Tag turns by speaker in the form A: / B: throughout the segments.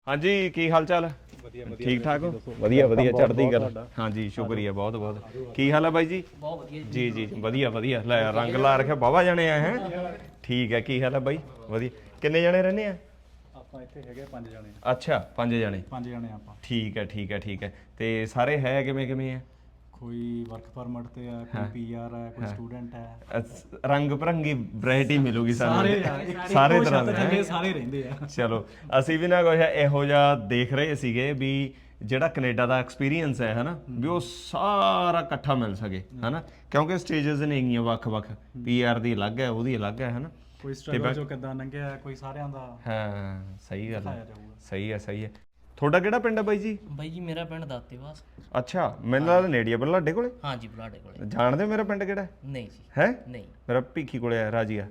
A: ਹਾਂਜੀ ਕੀ ਹਾਲ ਚਾਲ ਠੀਕ ਠਾਕ ਹੋ ਵਧੀਆ ਵਧੀਆ ਚੜ੍ਹਦੀ ਗੱਲ ਹਾਂਜੀ ਸ਼ੁਕਰੀਆ ਬਹੁਤ ਬਹੁਤ ਕੀ ਹਾਲ ਹੈ ਬਾਈ ਜੀ ਬਹੁਤ ਵਧੀਆ ਜੀ ਜੀ ਵਧੀਆ ਵਧੀਆ ਲੈ ਰੰਗ ਲਾ ਰੱਖਿਆ ਬਾਵਾ ਜਣੇ ਆ ਹੈ ਠੀਕ ਹੈ ਕੀ ਹਾਲ ਹੈ ਬਾਈ ਵਧੀਆ ਕਿੰਨੇ ਜਣੇ ਰਹਿੰਦੇ ਆ
B: ਆਪਾਂ ਇੱਥੇ ਹੈਗੇ 5 ਜਣੇ
A: ਅੱਛਾ 5 ਜਣੇ
B: ਆਪਾਂ
A: ਠੀਕ ਹੈ ਠੀਕ ਹੈ ਠੀਕ ਹੈ ਤੇ ਸਾਰੇ ਹੈ ਕਿਵੇਂ ਕਿਵੇਂ ਆ
B: ਕੋਈ ਵਰਕ ਪਰਮਿਟ ਤੇ ਆ ਕੋਈ ਪੀਆਰ ਹੈ ਕੋਈ ਸਟੂਡੈਂਟ ਹੈ
A: ਰੰਗ ਬਰੰਗੀ ਵੈਰਾਈਟੀ ਮਿਲੂਗੀ ਸਾਨੂੰ ਸਾਰੇ ਤਰ੍ਹਾਂ ਦੇ
B: ਸਾਰੇ ਰਹਿੰਦੇ ਆ
A: ਚਲੋ ਅਸੀਂ ਵੀ ਨਾ ਕੁਛ ਇਹੋ ਜਿਹਾ ਦੇਖ ਰਹੇ ਸੀਗੇ ਵੀ ਜਿਹੜਾ ਕੈਨੇਡਾ ਦਾ ਐਕਸਪੀਰੀਅੰਸ ਹੈ ਹਨਾ ਵੀ ਉਹ ਸਾਰਾ ਇਕੱਠਾ ਮਿਲ ਸਕੇ ਹਨਾ ਕਿਉਂਕਿ ਸਟੇਜਸ ਨੇ ਹੈਗੀਆਂ ਵੱਖ-ਵੱਖ ਪੀਆਰ ਦੀ ਅਲੱਗ ਹੈ ਉਹਦੀ ਅਲੱਗ ਹੈ ਹਨਾ
B: ਕੋਈ ਸਟਰਗਲ ਜੋ ਕਿੱਦਾਂ ਲੰਘਿਆ ਕੋਈ ਸਾਰਿਆਂ ਦਾ
A: ਹਾਂ ਸਹੀ ਗੱਲ ਹੈ ਸਹੀ ਹੈ ਤੁਹਾਡਾ ਕਿਹੜਾ ਪਿੰਡ ਹੈ ਬਾਈ ਜੀ
C: ਬਾਈ ਜੀ ਮੇਰਾ ਪਿੰਡ ਦਾਤੇਵਾਸ
A: ਅੱਛਾ ਮੈਨੂੰ ਲੱਗਦਾ ਨੇੜੇ ਆ ਬਲਾਡੇ ਕੋਲੇ
C: ਹਾਂਜੀ ਬਲਾਡੇ ਕੋਲੇ
A: ਜਾਣਦੇ ਹੋ ਮੇਰਾ ਪਿੰਡ ਕਿਹੜਾ
C: ਨਹੀਂ ਜੀ
A: ਹੈ
C: ਨਹੀਂ
A: ਮੇਰਾ ਭੀਖੀ ਕੋਲੇ ਆ ਰਾਜੀਆ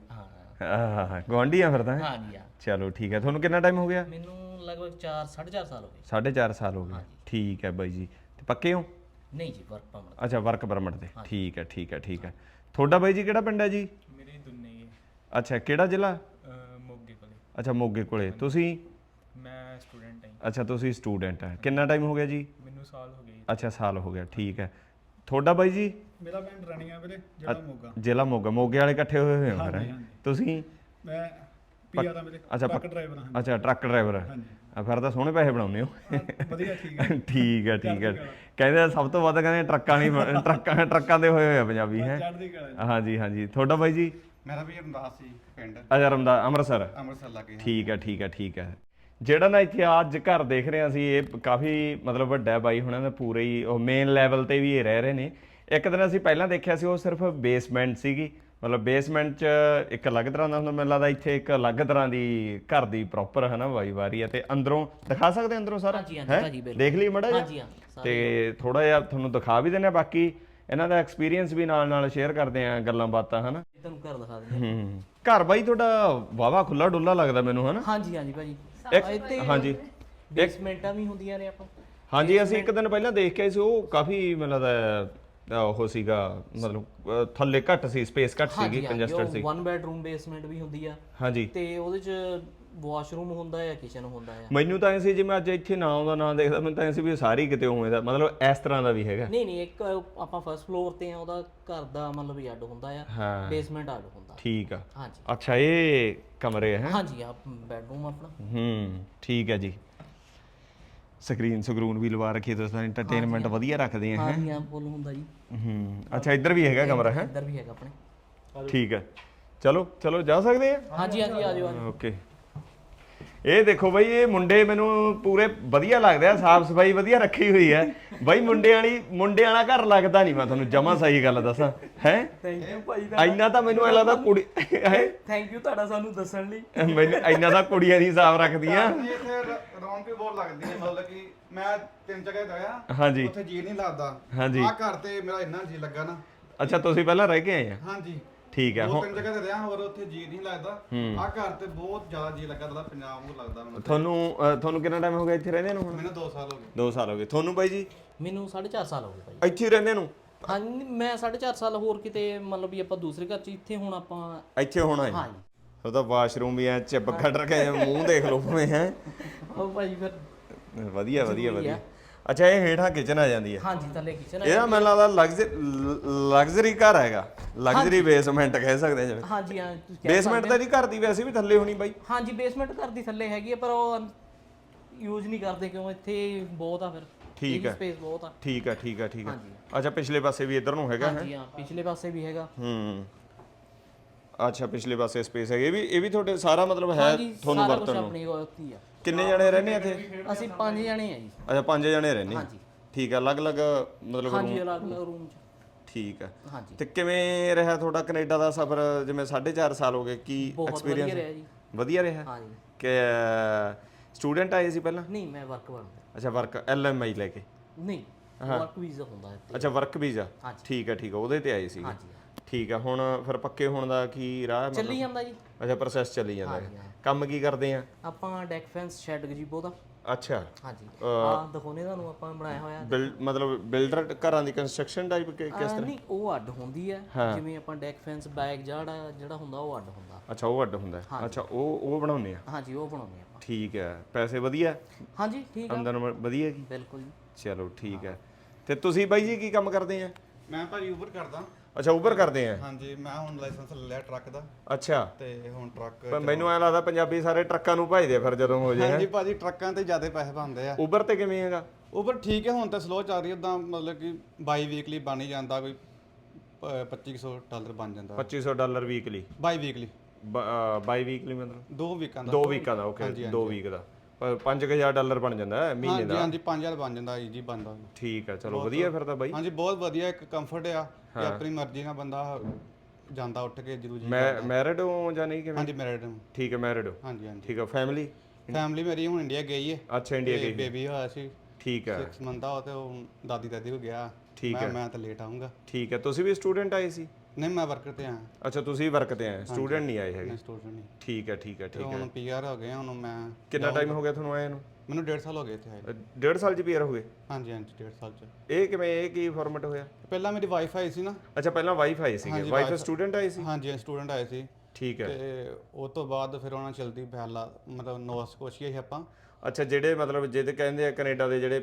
C: ਹਾਂ
A: ਗਵਾਂਢੀ ਆ ਫਿਰ ਤਾਂ
C: ਹਾਂਜੀ ਹਾਂ
A: ਚਲੋ ਠੀਕ ਹੈ ਤੁਹਾਨੂੰ ਕਿੰਨਾ ਟਾਈਮ ਹੋ ਗਿਆ
C: ਮੈਨੂੰ ਲਗਭਗ 4.5 ਸਾਲ ਹੋ ਗਏ
A: 4.5 ਸਾਲ ਹੋ ਗਏ ਠੀਕ ਹੈ ਬਾਈ ਜੀ ਤੇ ਪੱਕੇ ਹੋ
C: ਨਹੀਂ ਜੀ ਵਰਕ ਪਰਮਿਟ
A: ਅੱਛਾ ਵਰਕ ਪਰਮਿਟ ਤੇ ਠੀਕ ਹੈ ਤੁਹਾਡਾ ਬਾਈ ਜੀ ਕਿਹੜਾ ਪਿੰਡ ਹੈ ਜੀ
B: ਮੇਰੇ ਦੁੰਨੇ
A: ਅੱਛਾ ਕਿਹੜਾ ਜ਼ਿਲ੍ਹਾ
B: ਮੋਗੇ ਕੋਲੇ
A: ਅੱਛਾ ਮੋਗੇ ਕੋਲੇ ਤੁਸੀਂ
B: ਮੈਂ ਸਟੂਡੈਂਟ ਹਾਂ
A: ਅੱਛਾ ਤੁਸੀਂ ਸਟੂਡੈਂਟ ਹੈ ਕਿੰਨਾ ਟਾਈਮ ਹੋ ਗਿਆ ਜੀ
B: ਮੈਨੂੰ ਸਾਲ ਹੋ ਗਏ
A: ਅੱਛਾ ਸਾਲ ਹੋ ਗਿਆ ਠੀਕ ਹੈ ਤੁਹਾਡਾ ਬਾਈ ਜੀ
B: ਮੇਰਾ ਪਿੰਡ ਰਣੀਆਂ ਵੀਰੇ ਜਿਹੜਾ ਮੋਗਾ
A: ਜ਼ਿਲ੍ਹਾ ਮੋਗੇ ਵਾਲੇ ਇਕੱਠੇ ਹੋਏ ਹੋਏ ਹੋ ਫਿਰ ਤੁਸੀਂ
B: ਮੈਂ ਪੀਆਰ ਦਾ ਮੇਰੇ
A: ਅੱਛਾ
B: ਟਰੱਕ ਡਰਾਈਵਰ ਹਾਂ
A: ਅੱਛਾ ਟਰੱਕ ਡਰਾਈਵਰ ਫਿਰ ਤਾਂ ਸੋਹਣੇ ਪੈਸੇ ਬਣਾਉਂਦੇ ਹੋ
B: ਵਧੀਆ
A: ਠੀਕ ਹੈ ਕਹਿੰਦੇ ਸਭ ਤੋਂ ਵੱਧ ਕਹਿੰਦੇ ਟਰੱਕਾਂ ਦੇ ਹੋਏ ਆ ਪੰਜਾਬੀ ਹੈ ਹਾਂਜੀ ਤੁਹਾਡਾ ਬਾਈ ਜੀ
D: ਮੇਰਾ ਵੀ ਰਮਦਾਸ ਸੀ ਪਿੰਡ
A: ਅੱਛਾ ਰਮਦਾਸ ਅੰਮ੍ਰਿਤਸਰ
D: ਲੱਗੇ
A: ਠੀਕ ਹੈ ਜਿਹੜਾ ਨਾ ਇੱਥੇ ਅੱਜ ਘਰ ਦੇਖ ਰਹੇ ਅਸੀਂ ਇਹ ਕਾਫੀ ਮਤਲਬ ਵੱਡਾ ਬਾਈ ਹੁਣਾਂ ਦਾ ਪੂਰੇ ਹੀ ਉਹ ਮੇਨ ਲੈਵਲ ਤੇ ਵੀ ਇਹ ਰਹਿ ਰਹੇ ਨੇ ਇੱਕ ਦਿਨ ਅਸੀਂ ਪਹਿਲਾਂ ਦੇਖਿਆ ਸੀ ਉਹ ਸਿਰਫ ਬੇਸਮੈਂਟ ਸੀਗੀ ਮਤਲਬ ਬੇਸਮੈਂਟ 'ਚ ਇੱਕ ਅਲੱਗ ਤਰ੍ਹਾਂ ਦਾ ਹੁੰਦਾ ਮੈਨੂੰ ਲੱਗਦਾ ਇੱਥੇ ਇੱਕ ਅਲੱਗ ਤਰ੍ਹਾਂ ਦੀ ਘਰ ਦੀ ਪ੍ਰੋਪਰ ਹੈ ਨਾ ਵਾਰੀ ਹੈ ਤੇ ਅੰਦਰੋਂ ਦਿਖਾ ਸਕਦੇ ਅੰਦਰੋਂ ਸਾਰਾ ਦੇਖ ਲਈ ਮੜਾ ਜੀ ਤੇ ਥੋੜਾ ਜਿਹਾ ਤੁਹਾਨੂੰ ਦਿਖਾ ਵੀ ਦਿੰਦੇ ਆ ਬਾਕੀ ਇਹਨਾਂ ਦਾ ਐਕਸਪੀਰੀਅੰਸ ਵੀ ਨਾਲ ਸ਼ੇਅਰ ਕਰਦੇ ਆ ਗੱਲਾਂ ਬਾਤਾਂ ਹਨਾ
C: ਤੁਹਾਨੂੰ ਘਰ ਦਿਖਾ ਦਿੰਦੇ
A: ਘਰ ਬਾਈ ਤੁਹਾਡਾ ਵਾਵਾ ਖੁੱਲਾ ਡੁੱਲਾ ਲੱਗਦਾ ਮੈਨੂੰ ਹਨਾ
C: ਹਾਂਜੀ ਭਾਜੀ
A: ਹਾਂਜੀ
C: ਬੇਸਮੈਂਟਾਂ ਵੀ ਹੁੰਦੀਆਂ ਨੇ ਆਪਾਂ
A: ਹਾਂਜੀ ਅਸੀਂ ਇੱਕ ਦਿਨ ਪਹਿਲਾਂ ਦੇਖ ਕੇ ਆਏ ਸੀ ਉਹ ਕਾਫੀ ਮੈਨੂੰ ਲੱਗਦਾ ਉਹ ਸੀਗਾ ਮਤਲਬ ਥੱਲੇ ਘੱਟ ਸੀ ਸਪੇਸ ਘੱਟ ਸੀਗੀ ਕੰਜਸਟਡ ਸੀ
C: 1 ਬੈਡਰੂਮ ਬੇਸਮੈਂਟ ਵੀ ਹੁੰਦੀ ਆ
A: ਹਾਂਜੀ ਤੇ
C: ਉਹਦੇ ਚ ਵਾਸ਼ਰੂਮ ਹੁੰਦਾ ਹੈ ਕਿਚਨ ਹੁੰਦਾ ਹੈ
A: ਮੈਨੂੰ ਤਾਂ ਐ ਸੀ ਜੇ ਮੈਂ ਅੱਜ ਇੱਥੇ ਨਾ ਆਉਂਦਾ ਨਾ ਦੇਖਦਾ ਮੈਨੂੰ ਤਾਂ ਐ ਸੀ ਵੀ ਸਾਰੀ ਕਿਤੇ ਉਵੇਂ ਦਾ ਮਤਲਬ ਇਸ ਤਰ੍ਹਾਂ ਦਾ ਵੀ ਹੈਗਾ
C: ਨਹੀਂ ਇੱਕ ਆਪਾਂ ਫਰਸਟ ਫਲੋਰ ਤੇ ਆ ਉਹਦਾ ਘਰ ਦਾ ਮਤਲਬ ਹੀ ਅੱਡ ਹੁੰਦਾ ਆ ਬੇਸਮੈਂਟ ਅੱਡ ਹੁੰਦਾ
A: ਠੀਕ ਆ
C: ਹਾਂਜੀ
A: ਅੱਛਾ ਇਹ ਕਮਰੇ ਹੈ
C: ਹਾਂਜੀ ਆ ਬੈਡਰੂਮ ਆਪਣਾ
A: ਠੀਕ ਹੈ ਜੀ ਸਕਰੀਨ ਵੀ ਲਵਾ ਰੱਖੀ ਤੁਸੀਂ ਤਾਂ ਐਂਟਰਟੇਨਮੈਂਟ ਵਧੀਆ ਰੱਖਦੇ ਆ
C: ਹਾਂਜੀ ਹਾਂ ਫੁੱਲ ਹੁੰਦਾ ਜੀ
A: ਅੱਛਾ ਇੱਧਰ ਵੀ ਹੈਗਾ ਕਮਰਾ ਹੈ
C: ਇੱਧਰ ਵੀ ਹੈਗਾ ਆਪਣੇ
A: ਠੀਕ ਹੈ ਚਲੋ ਜਾ ਸਕਦੇ ਆ
C: ਹਾਂਜੀ ਆ ਜਾਓ
A: ਓਕੇ ਇਹ ਦੇਖੋ ਬਈ ਇਹ ਮੁੰਡੇ ਮੈਨੂੰ ਪੂਰੇ ਵਧੀਆ ਲੱਗਦੇ ਆ ਸਾਫ ਸਫਾਈ ਵਧੀਆ ਰੱਖੀ ਹੋਈ ਹੈ ਬਈ ਮੁੰਡਿਆਂ ਵਾਲਾ ਘਰ ਲੱਗਦਾ ਨਹੀਂ ਮੈਂ ਤੁਹਾਨੂੰ ਜਮਾ ਸਹੀ ਗੱਲ ਦੱਸਾਂ ਹੈ
C: ਥੈਂਕ ਯੂ ਭਾਈ
A: ਇੰਨਾ ਤਾਂ ਮੈਨੂੰ ਐ ਲੱਗਦਾ ਕੁੜੀ ਹੈ
C: ਥੈਂਕ ਯੂ ਤੁਹਾਡਾ ਸਾਨੂੰ ਦੱਸਣ ਲਈ
A: ਮੈਨੂੰ ਇੰਨਾ ਤਾਂ ਕੁੜੀਆਂ ਦੀ ਸਾਫ ਰੱਖਦੀਆਂ
D: ਇੱਥੇ ਰੌਣਕ ਵੀ ਬਹੁਤ ਲੱਗਦੀ ਹੈ ਮਤਲਬ ਕਿ ਮੈਂ 3 ਜਗ੍ਹਾ ਗਿਆ
A: ਹਾਂਜੀ
D: ਉੱਥੇ ਜੀ ਨਹੀਂ ਲੱਗਦਾ
A: ਹਾਂਜੀ
D: ਆ ਘਰ ਤੇ ਮੇਰਾ ਇੰਨਾ ਜੀ ਲੱਗਾ ਨਾ
A: ਅੱਛਾ ਤੁਸੀਂ ਪਹਿਲਾਂ ਰਹਿ ਕੇ ਆਏ ਆ
D: ਹਾਂਜੀ
A: ਠੀਕ ਹੈ
D: ਹੁਣ 3 ਜਗ੍ਹਾ ਤੇ ਰਿਹਾ ਹੋਰ ਉੱਥੇ ਜੀ ਨਹੀਂ ਲੱਗਦਾ ਆ ਘਰ ਤੇ ਬਹੁਤ ਜ਼ਿਆਦਾ ਜੀ ਲੱਗਾ ਤਾਂ ਪੰਜਾਬ ਨੂੰ ਲੱਗਦਾ ਮੈਨੂੰ
A: ਤੁਹਾਨੂੰ ਕਿੰਨਾ ਟਾਈਮ ਹੋ ਗਿਆ ਇੱਥੇ ਰਹਿੰਦੇ ਨੂੰ ਹੁਣ
D: ਮੈਨੂੰ 2 ਸਾਲ ਹੋ ਗਏ
A: 2 ਸਾਲ ਹੋ ਗਏ ਤੁਹਾਨੂੰ ਬਾਈ ਜੀ
C: ਮੈਨੂੰ 4.5 ਸਾਲ ਹੋ ਗਏ ਭਾਈ
A: ਇੱਥੇ ਹੀ ਰਹਿੰਦੇ ਨੂੰ
C: ਹਾਂਜੀ ਮੈਂ 4.5 ਸਾਲ ਹੋਰ ਕਿਤੇ ਮਤਲਬ ਵੀ ਆਪਾਂ ਦੂਸਰੇ ਘਰ ਚ ਇੱਥੇ ਹੁਣ ਆਪਾਂ
A: ਇੱਥੇ ਹੋਣਾ ਹੈ
C: ਹਾਂਜੀ
A: ਉਹਦਾ ਵਾਸ਼ਰੂਮ ਵੀ ਐ ਚਿਪ ਕੱਢ ਰੱਖਿਆ ਮੂੰਹ ਦੇਖ ਲਓ ਭਾਵੇਂ ਹੈ
C: ਉਹ ਭਾਈ ਫਿਰ
A: ਵਧੀਆ ਅੱਛਾ ਇਹ ਹੇਠਾਂ ਕਿਚਨ ਆ ਜਾਂਦੀ ਹੈ
C: ਹਾਂਜੀ ਥੱਲੇ ਕਿਚਨ
A: ਇਹਦਾ ਮੈਨੂੰ ਲੱਗਦਾ ਲਗਜ਼ਰੀ ਘਰ ਹੈਗਾ ਲਗਜ਼ਰੀ ਬੇਸਮੈਂਟ ਕਹਿ ਸਕਦੇ ਜਿਵੇਂ
C: ਹਾਂਜੀ ਹਾਂ
A: ਬੇਸਮੈਂਟ ਤਾਂ ਨਹੀਂ ਘਰ ਦੀ ਵੈਸੇ ਵੀ ਥੱਲੇ ਹੋਣੀ ਬਾਈ
C: ਹਾਂਜੀ ਬੇਸਮੈਂਟ ਘਰ ਦੀ ਥੱਲੇ ਹੈਗੀ ਆ ਪਰ ਉਹ ਯੂਜ਼ ਨਹੀਂ ਕਰਦੇ ਕਿਉਂ ਇੱਥੇ ਬਹੁਤ ਆ ਫਿਰ
A: ਠੀਕ ਹੈ
C: ਸਪੇਸ ਬਹੁਤ ਆ
A: ਠੀਕ ਹੈ ਅੱਛਾ ਪਿਛਲੇ ਪਾਸੇ ਵੀ ਇੱਧਰ ਨੂੰ ਹੈਗਾ
C: ਹਾਂਜੀ ਹਾਂ ਪਿਛਲੇ ਪਾਸੇ ਵੀ ਹੈਗਾ
A: ਅੱਛਾ ਪਿਛਲੇ ਪਾਸੇ ਸਪੇਸ ਹੈਗੀ ਇਹ ਵੀ ਤੁਹਾਡੇ ਸਾਰਾ ਮਤਲਬ ਹੈ ਤੁਹਾਨੂੰ ਵਰਤਣ ਨੂੰ
C: ਆਪਣੀ ਉੱਤੀ ਆ
A: ਕਿੰਨੇ ਜਣੇ ਰਹਿੰਦੇ ਇੱਥੇ
C: ਅਸੀਂ 5 ਜਣੇ ਆ ਜੀ
A: ਅੱਛਾ 5 ਜਣੇ ਰਹਿੰਦੇ
C: ਹਾਂਜੀ
A: ਠੀਕ ਹੈ ਅਲੱਗ-ਅਲੱਗ ਮਤਲਬ
C: ਹਾਂਜੀ ਅਲੱਗ-ਅਲੱਗ ਰੂਮ ਚ
A: ਠੀਕ ਹੈ
C: ਹਾਂਜੀ
A: ਤੇ ਕਿਵੇਂ ਰਿਹਾ ਤੁਹਾਡਾ ਕੈਨੇਡਾ ਦਾ ਸਫ਼ਰ ਜਿਵੇਂ 4.5 ਸਾਲ ਹੋ ਗਏ ਕੀ ਐਕਸਪੀਰੀਅੰਸ
C: ਰਿਹਾ ਜੀ
A: ਵਧੀਆ ਰਿਹਾ
C: ਹਾਂਜੀ
A: ਕਿ ਸਟੂਡੈਂਟ ਆਏ ਸੀ ਪਹਿਲਾਂ
C: ਨਹੀਂ ਮੈਂ ਵਰਕ ਬਣਦਾ
A: ਅੱਛਾ ਵਰਕ LMI ਲੈ ਕੇ
C: ਨਹੀਂ ਵਰਕ ਵੀਜ਼ਾ ਹੁੰਦਾ ਇੱਥੇ
A: ਅੱਛਾ ਵਰਕ ਵੀਜ਼ਾ ਠੀਕ ਹੈ ਉਹਦੇ ਤੇ ਆਏ ਸੀ
C: ਹਾਂਜੀ
A: ਠੀਕ ਹੈ ਹੁਣ ਫਿਰ ਪੱਕੇ ਹੋਣ ਦਾ ਕੀ ਰਾਹ
C: ਚੱਲੀ ਜਾਂਦਾ ਜੀ
A: ਅੱਛਾ ਪ੍ਰੋਸੈਸ ਚੱਲੀ ਜਾਂਦਾ ਹੈ ਕੰਮ ਕੀ ਕਰਦੇ ਆ
C: ਆਪਾਂ ਡੈਕ ਫੈਂਸ ਸ਼ੈਡ ਗਜੀਬੋ ਦਾ
A: ਅੱਛਾ
C: ਹਾਂਜੀ ਆ ਦਿਖਾਉਣੇ ਤੁਹਾਨੂੰ ਆਪਾਂ ਬਣਾਇਆ ਹੋਇਆ
A: ਮਤਲਬ ਬਿਲਡਰ ਘਰਾਂ ਦੀ ਕੰਸਟਰਕਸ਼ਨ ਟਾਈਪ ਕਿਸ ਤਰ੍ਹਾਂ
C: ਨਹੀਂ ਉਹ ਅੱਡ ਹੁੰਦੀ ਹੈ ਜਿਵੇਂ ਆਪਾਂ ਡੈਕ ਫੈਂਸ ਬੈਕ ਜਿਹੜਾ ਹੁੰਦਾ ਉਹ ਅੱਡ ਹੁੰਦਾ
A: ਅੱਛਾ ਉਹ ਅੱਡ ਹੁੰਦਾ ਅੱਛਾ ਉਹ ਬਣਾਉਂਦੇ ਆ
C: ਹਾਂਜੀ ਉਹ ਬਣਾਉਂਦੇ ਆਪਾਂ
A: ਠੀਕ ਹੈ, ਪੈਸੇ ਵਧੀਆ,
C: ਹਾਂਜੀ ਠੀਕ ਆ,
A: ਆਮਦਨ ਵਧੀਆ ਜੀ,
C: ਬਿਲਕੁਲ ਜੀ।
A: ਚਲੋ ਠੀਕ ਹੈ। ਤੇ ਤੁਸੀਂ ਬਾਈ ਜੀ ਕੀ ਕੰਮ ਕਰਦੇ ਆ?
D: ਮੈਂ ਭਾਜੀ ਉਬਰ ਕਰਦਾ।
A: ਅੱਛਾ ਉਬਰ ਕਰਦੇ ਆ।
D: ਹਾਂਜੀ, ਮੈਂ ਹੁਣ ਲਾਇਸੈਂਸ ਲੈ ਲਿਆ ਟਰੱਕ ਦਾ
A: ਅੱਛਾ,
D: ਤੇ ਹੁਣ ਟਰੱਕ
A: ਪਰ ਮੈਨੂੰ ਐ ਲੱਗਦਾ ਪੰਜਾਬੀ ਸਾਰੇ ਟਰੱਕਾਂ ਨੂੰ ਭਜਦੇ ਆ ਫਿਰ ਜਦੋਂ ਹੋ ਜੇ।
D: ਹਾਂਜੀ ਭਾਜੀ, ਟਰੱਕਾਂ ਤੇ ਜ਼ਿਆਦਾ ਪੈਸੇ ਬਣਦੇ ਆ।
A: ਉਬਰ ਤੇ ਕਿਵੇਂ ਹੈਗਾ?
D: ਉਬਰ ਠੀਕ ਹੈ, ਹੁਣ ਤਾਂ ਸਲੋ ਚੱਲ ਰਹੀ ਹੈ ਉਦਾਂ, ਮਤਲਬ ਕਿ ਬਾਈ ਵੀਕਲੀ ਬਣ ਹੀ ਜਾਂਦਾ, ਕੋਈ $2500 ਬਣ ਜਾਂਦਾ।
A: $2500 weekly?
D: Biweekly,
A: biweekly ਮਤਲਬ
D: 2 ਵੀਕਾਂ ਦਾ।
A: 2 ਵੀਕਾਂ ਦਾ, ਓਕੇ 2 ਵੀਕ ਦਾ $5000 ਬਣ ਜਾਂਦਾ ਹੈ ਮਹੀਨੇ ਦਾ।
D: ਹਾਂਜੀ 5000 ਬਣ ਜਾਂਦਾ ਜੀ ਬਣਦਾ।
A: ਠੀਕ ਹੈ, ਚਲੋ ਵਧੀਆ ਫਿਰ ਤਾਂ ਬਾਈ।
D: ਹਾਂਜੀ ਬਹੁਤ ਵਧੀਆ, ਇੱਕ ਕੰਫਰਟ ਆ ਕਿ ਆਪਣੀ ਮਰਜ਼ੀ ਨਾਲ ਬੰਦਾ ਜਾਂਦਾ ਉੱਠ ਕੇ ਜ਼ਰੂਰੀ।
A: ਮੈਰਿਡ ਹੋ ਜਾਂ ਨਹੀਂ ਕਿਵੇਂ?
D: ਹਾਂਜੀ ਮੈਰਿਡ।
A: ਠੀਕ ਹੈ, ਮੈਰਿਡ ਹੋ।
D: ਹਾਂਜੀ ਹਾਂਜੀ
A: ਠੀਕ ਹੈ, ਫੈਮਿਲੀ
D: ਮੇਰੀ ਹੁਣ ਇੰਡੀਆ ਗਈ ਹੈ।
A: ਅੱਛਾ, ਇੰਡੀਆ ਗਈ,
D: ਬੇਬੀ ਹੋਇਆ ਸੀ।
A: ਠੀਕ ਹੈ,
D: 6 ਮੰਥ ਦਾ, ਤੇ ਉਹ ਦਾਦੀ ਹੋ ਗਿਆ।
A: ਠੀਕ ਹੈ,
D: ਮੈਂ ਤਾਂ ਲੇਟ ਆਉਂਗਾ।
A: ਠੀਕ ਹੈ। ਤੁਸੀਂ ਵੀ ਸਟੂਡੈਂਟ ਆਏ ਸੀ?
D: ਨਹੀਂ, ਮੈਂ ਵਰਕਰ ਤੇ ਆਇਆ।
A: ਅੱਛਾ, ਤੁਸੀਂ ਵਰਕ ਤੇ ਆਏ, ਸਟੂਡੈਂਟ ਨਹੀਂ ਆਏ ਹੈਗੇ?
D: ਮੈਂ ਸਟੂਡੈਂਟ ਨਹੀਂ।
A: ਠੀਕ ਹੈ, ਠੀਕ ਹੈ, ਠੀਕ ਹੈ।
D: ਹੁਣ ਪੀਆਰ ਹੋ ਗਏ ਹੁਣ ਮੈਂ।
A: ਕਿੰਨਾ ਟਾਈਮ ਹੋ ਗਿਆ ਤੁਹਾਨੂੰ ਆਏ ਨੂੰ?
D: ਮੈਨੂੰ 1.5 ਸਾਲ ਹੋ ਗਏ ਇੱਥੇ ਆਏ।
A: 1.5 ਸਾਲ ਚ ਪੀਆਰ ਹੋ ਗਏ?
D: ਹਾਂਜੀ ਹਾਂਜੀ 1.5 ਸਾਲ ਚ।
A: ਇਹ ਕਿਵੇਂ, ਇਹ ਕੀ ਫਾਰਮੈਟ ਹੋਇਆ?
D: ਪਹਿਲਾਂ ਮੇਰੀ ਵਾਈਫ ਆਈ ਸੀ ਨਾ।
A: ਅੱਛਾ, ਪਹਿਲਾਂ ਵਾਈਫ ਆਈ ਸੀਗੇ। ਵਾਈਫ ਸਟੂਡੈਂਟ ਆਏ ਸੀ?
D: ਹਾਂਜੀ ਸਟੂਡੈਂਟ ਆਏ ਸੀ।
A: ਠੀਕ ਹੈ।
D: ਤੇ ਉਸ ਤੋਂ ਬਾਅਦ ਫਿਰ ਉਹਨਾਂ ਚਲਦੀ ਪਹਿਲਾ ਮਤਲਬ ਨੋਵਾ ਸਕੋਸ਼ੀਆ ਸੀ ਆਪਾਂ।
A: ਅੱਛਾ, ਜਿਹੜੇ ਮਤਲਬ ਜਿਹਦੇ ਕਹਿੰਦੇ ਆ ਕੈਨੇਡਾ ਦੇ ਜਿਹੜੇ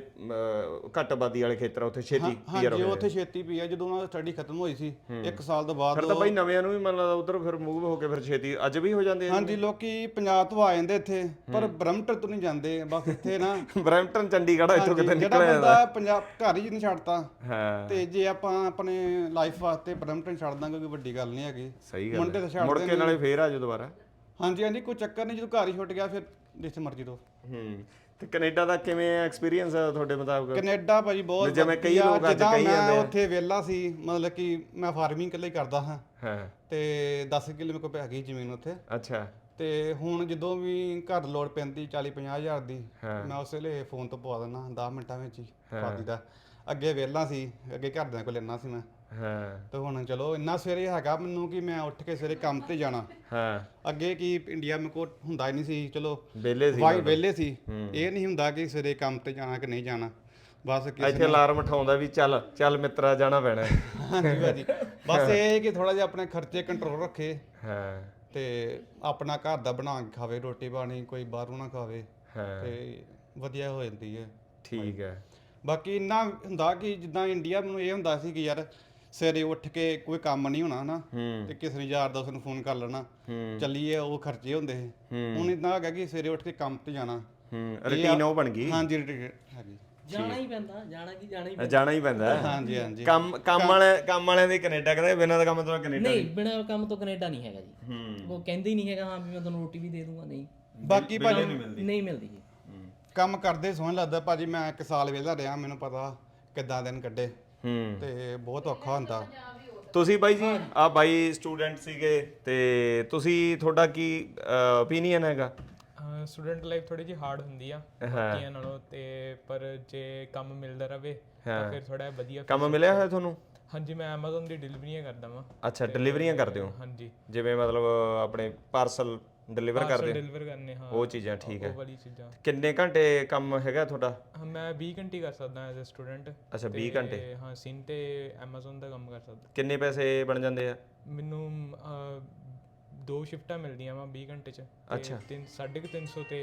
A: ਘੱਟ ਆਬਾਦੀ ਵਾਲੇ ਖੇਤਰ ਉੱਥੇ ਛੇਤੀ ਪੀਆਰ ਹੋ
D: ਗਏ। ਉੱਥੇ ਛੇਤੀ ਪੀਆ, ਜਦੋਂ ਉਹਨਾਂ ਦੀ ਸਟੱਡੀ ਖਤਮ ਹੋਈ ਸੀ 1 ਸਾਲ ਤੋਂ ਬਾਅਦ।
A: ਫਿਰ ਤਾਂ ਬਾਈ ਨਵਿਆਂ ਨੂੰ ਵੀ ਮੰਨ ਲਾ ਉਧਰ ਫਿਰ ਮੂਵ ਹੋ ਕੇ ਫਿਰ ਛੇਤੀ ਅੱਜ ਵੀ ਹੋ ਜਾਂਦੇ ਆ?
D: ਹਾਂਜੀ, ਲੋਕੀ ਪੰਜਾਬ ਤੋਂ ਆ ਜਾਂਦੇ ਇੱਥੇ, ਪਰ ਬਰਮਟਨ ਤੋਂ ਨਹੀਂ ਜਾਂਦੇ ਬਸ ਇੱਥੇ ਨਾ।
A: ਬਰੈਂਪਟਨ, ਚੰਡੀਗੜ੍ਹ ਇੱਥੋਂ ਕਿਤੇ ਨਿਕਲ
D: ਜਿਹੜਾ ਬੰਦਾ ਪੰਜਾਬ ਘਰ ਹੀ ਨਹੀਂ ਛੱਡਦਾ।
A: ਹਾਂ,
D: ਤੇ ਜੇ ਆਪਾਂ ਆਪਣੇ ਲਾਈਫ ਵਾਸਤੇ ਬਰਮਟਨ ਛੱਡ ਦਾਂਗੇ ਕੋਈ ਵੱਡੀ ਗੱਲ ਨਹੀਂ ਹੈਗੀ।
A: ਸਹੀ ਗੱਲ ਹੈ। ਮੁੜ ਕੇ ਨਾਲੇ ਫੇਰ ਆ ਜਾਓ ਦੁਬਾਰਾ।
D: ਹਾਂਜੀ ਹਾਂਜੀ, ਕੋਈ ਚੱਕਰ ਨਹੀਂ, ਜਦੋਂ ਘਰ ਹੀ ਛੁੱਟ ਗਿਆ ਫਿਰ ਜਿੱਥੇ ਮਰਜ਼ੀ ਤੋਂ।
A: ਤੇ ਕੈਨੇਡਾ ਦਾ ਕਿਵੇਂ ਐਕਸਪੀਰੀਅੰਸ ਆ ਤੁਹਾਡੇ ਮੁਤਾਬਕ?
D: ਕੈਨੇਡਾ ਭਾਜੀ ਬਹੁਤ
A: ਜਿਵੇਂ ਕਈ ਲੋਕ ਅੱਜ ਕਹੀ ਜਾਂਦੇ
D: ਮੈਂ ਉੱਥੇ ਵਿਹਲਾ ਸੀ, ਮਤਲਬ ਕਿ ਮੈਂ ਫਾਰਮਿੰਗ ਇਕੱਲੇ ਕਰਦਾ ਹਾਂ।
A: ਹਾਂ,
D: ਤੇ 10 ਕਿੱਲੇ ਮੇਰੇ ਕੋਲ ਹੈਗੀ ਜ਼ਮੀਨ ਉੱਥੇ।
A: ਅੱਛਾ।
D: ਤੇ ਹੁਣ ਜਦੋਂ ਵੀ ਘਰ ਲੋੜ ਪੈਂਦੀ 40-50 ਹਜ਼ਾਰ ਦੀ, ਮੈਂ ਉਸ ਵੇਲੇ ਫੋਨ ਤੋਂ ਪਵਾ ਦਿੰਦਾ 10 ਮਿੰਟਾਂ ਵਿੱਚ ਹੀ ਪਾ ਦਿੱਤਾ। ਅੱਗੇ ਵਿਹਲਾ ਸੀ, ਅੱਗੇ ਘਰਦਿਆਂ ਕੋਲ ਲੈਣਾ ਸੀ ਮੈਂ।
A: ਹਾਂ, ਤੇ
D: ਹੁਣ ਚਲੋ ਇੰਨਾ ਸਵੇਰੇ ਹੈਗਾ ਮੈਨੂੰ ਕਿ ਮੈਂ ਉੱਠ ਕੇ ਸਵੇਰੇ ਕੰਮ ਤੇ ਜਾਣਾ।
A: ਹਾਂ,
D: ਅੱਗੇ ਕੀ ਇੰਡੀਆ ਮੇਰੇ ਕੋਲ ਹੁੰਦਾ ਹੀ ਨਹੀਂ ਸੀ, ਚਲੋ
A: ਵਿਹਲੇ ਸੀ,
D: ਵਿਹਲੇ ਸੀ। ਇਹ ਨਹੀਂ ਹੁੰਦਾ ਕਿ ਸਵੇਰੇ ਕੰਮ ਤੇ ਜਾਣਾ ਕਿ ਨਹੀਂ ਜਾਣਾ, ਬਸ
A: ਇੱਥੇ ਅਲਾਰਮ ਉਠਾਉਂਦਾ ਵੀ ਚੱਲ ਚੱਲ ਮਿੱਤਰਾ ਜਾਣਾ ਪੈਣਾ।
D: ਹਾਂਜੀ ਭਾਜੀ, ਬਸ ਇਹ ਕਿ ਥੋੜਾ ਜਿਹਾ ਆਪਣੇ ਖਰਚੇ ਕੰਟਰੋਲ ਰੱਖੇ।
A: ਹਾਂ,
D: ਤੇ ਆਪਣਾ ਘਰ ਦਾ ਬਣਾ ਕੇ ਖਾਵੇ, ਰੋਟੀ ਪਾਣੀ ਕੋਈ ਬਾਹਰੋਂ ਨਾ ਖਾਵੇ, ਤੇ ਵਧੀਆ ਹੋ ਜਾਂਦੀ ਹੈ।
A: ਠੀਕ ਹੈ।
D: ਬਾਕੀ ਇੰਨਾ ਹੁੰਦਾ ਕਿ ਜਿੱਦਾਂ ਇੰਡੀਆ ਮੈਨੂੰ ਇਹ ਹੁੰਦਾ ਸੀ ਕਿ ਯਾਰ ਸਵੇਰੇ ਉੱਠ ਕੇ ਕੋਈ ਕੰਮ ਨਹੀਂ ਹੋਣਾ ਨਾ, ਤੇ ਕਿਸੇ ਨੂੰ ਯਾਰ ਦੋਸਤ ਨੂੰ ਫੋਨ ਕਰ ਲੈਣਾ, ਚੱਲੀਏ, ਉਹ ਖਰਚੇ ਹੁੰਦੇ ਸੀ। ਹੁਣ ਇਦਾਂ ਹੈਗਾ ਕਿ ਸਵੇਰੇ ਉੱਠ ਕੇ ਕੰਮ ਤੇ ਜਾਣਾ,
A: ਰੁਟੀਨ ਉਹ ਬਣ ਗਈ।
D: ਹਾਂਜੀ ਹੈਗੀ,
C: ਜਾਣਾ ਹੀ ਪੈਂਦਾ,
A: ਜਾਣਾ ਹੀ ਪੈਂਦਾ।
D: ਹਾਂਜੀ ਹਾਂਜੀ,
A: ਕੰਮ ਵਾਲਿਆਂ ਦੇ ਕੈਨੇਡਾ ਕਹਿੰਦੇ ਬਿਨਾਂ ਦਾ ਕੰਮ ਤੋਂ ਕੈਨੇਡਾ
C: ਨਹੀਂ, ਬਿਨਾਂ ਕੰਮ ਤੋਂ ਕੈਨੇਡਾ ਨਹੀਂ ਹੈਗਾ ਜੀ। ਉਹ ਕਹਿੰਦੇ ਹੀ ਨਹੀਂ ਹੈਗਾ ਹਾਂ ਵੀ ਮੈਂ ਤੁਹਾਨੂੰ ਰੋਟੀ ਵੀ ਦੇ ਦੂੰਗਾ, ਨਹੀਂ।
D: ਬਾਕੀ ਭਾਜੀ
C: ਨਹੀਂ ਮਿਲਦੀ ਜੀ।
D: ਕੰਮ ਕਰਦੇ ਸੋਹਣ ਲੱਗਦਾ ਭਾਜੀ। ਮੈਂ 1 ਸਾਲ ਵਿਹਲਾ ਰਿਹਾ, ਮੈਨੂੰ ਪਤਾ ਕਿੱਦਾਂ ਦਿਨ ਕੱਢੇ, ਤੇ ਬਹੁਤ ਔਖਾ ਹੁੰਦਾ।
A: ਤੁਸੀਂ ਬਾਈ ਜੀ ਆ ਬਾਈ ਸਟੂਡੈਂਟ ਸੀਗੇ, ਤੇ ਤੁਸੀਂ ਤੁਹਾਡਾ ਕੀ ਓਪੀਨੀਅਨ ਹੈਗਾ?
E: ਸਟੂਡੈਂਟ ਲਾਈਫ ਥੋੜੀ ਜਿਹੀ ਹਾਰਡ ਹੁੰਦੀ ਆ ਬਾਕੀਆਂ ਨਾਲੋਂ, ਤੇ ਪਰ ਜੇ ਕੰਮ ਮਿਲਦਾ ਰਵੇ ਤਾਂ ਫਿਰ ਥੋੜਾ ਵਧੀਆ।
A: ਕੰਮ ਮਿਲਿਆ ਹੋਇਆ ਤੁਹਾਨੂੰ?
E: ਹਾਂਜੀ, ਮੈਂ Amazon ਦੀ ਡਿਲੀਵਰੀਆਂ ਕਰਦਾ ਵਾਂ।
A: ਅੱਛਾ, ਡਿਲੀਵਰੀਆਂ ਕਰਦੇ ਹੋ?
E: ਹਾਂਜੀ,
A: ਜਿਵੇਂ ਮਤਲਬ ਆਪਣੇ ਪਾਰਸਲ ਡਿਲੀਵਰ ਕਰਦੇ
E: ਡਿਲੀਵਰ ਕਰਨੇ, ਹਾਂ
A: ਉਹ ਚੀਜ਼ਾਂ। ਠੀਕ ਹੈ,
E: ਉਹ ਵਾਲੀ ਚੀਜ਼ਾਂ।
A: ਕਿੰਨੇ ਘੰਟੇ ਕੰਮ ਹੈਗਾ ਤੁਹਾਡਾ?
E: ਮੈਂ 20 ਘੰਟੇ ਕਰ ਸਕਦਾ ਐਜ਼ ਅ ਸਟੂਡੈਂਟ।
A: ਅੱਛਾ, 20 ਘੰਟੇ।
E: ਹਾਂ, ਸਿਨ ਤੇ Amazon ਦਾ ਕੰਮ ਕਰ ਸਕਦਾ।
A: ਕਿੰਨੇ ਪੈਸੇ ਬਣ ਜਾਂਦੇ ਆ?
E: ਮੈਨੂੰ 2 ਸ਼ਿਫਟਾਂ ਮਿਲਦੀਆਂ ਵਾ 20 ਘੰਟੇ ਚ।
A: ਅੱਛਾ,
E: 350 ਤੇ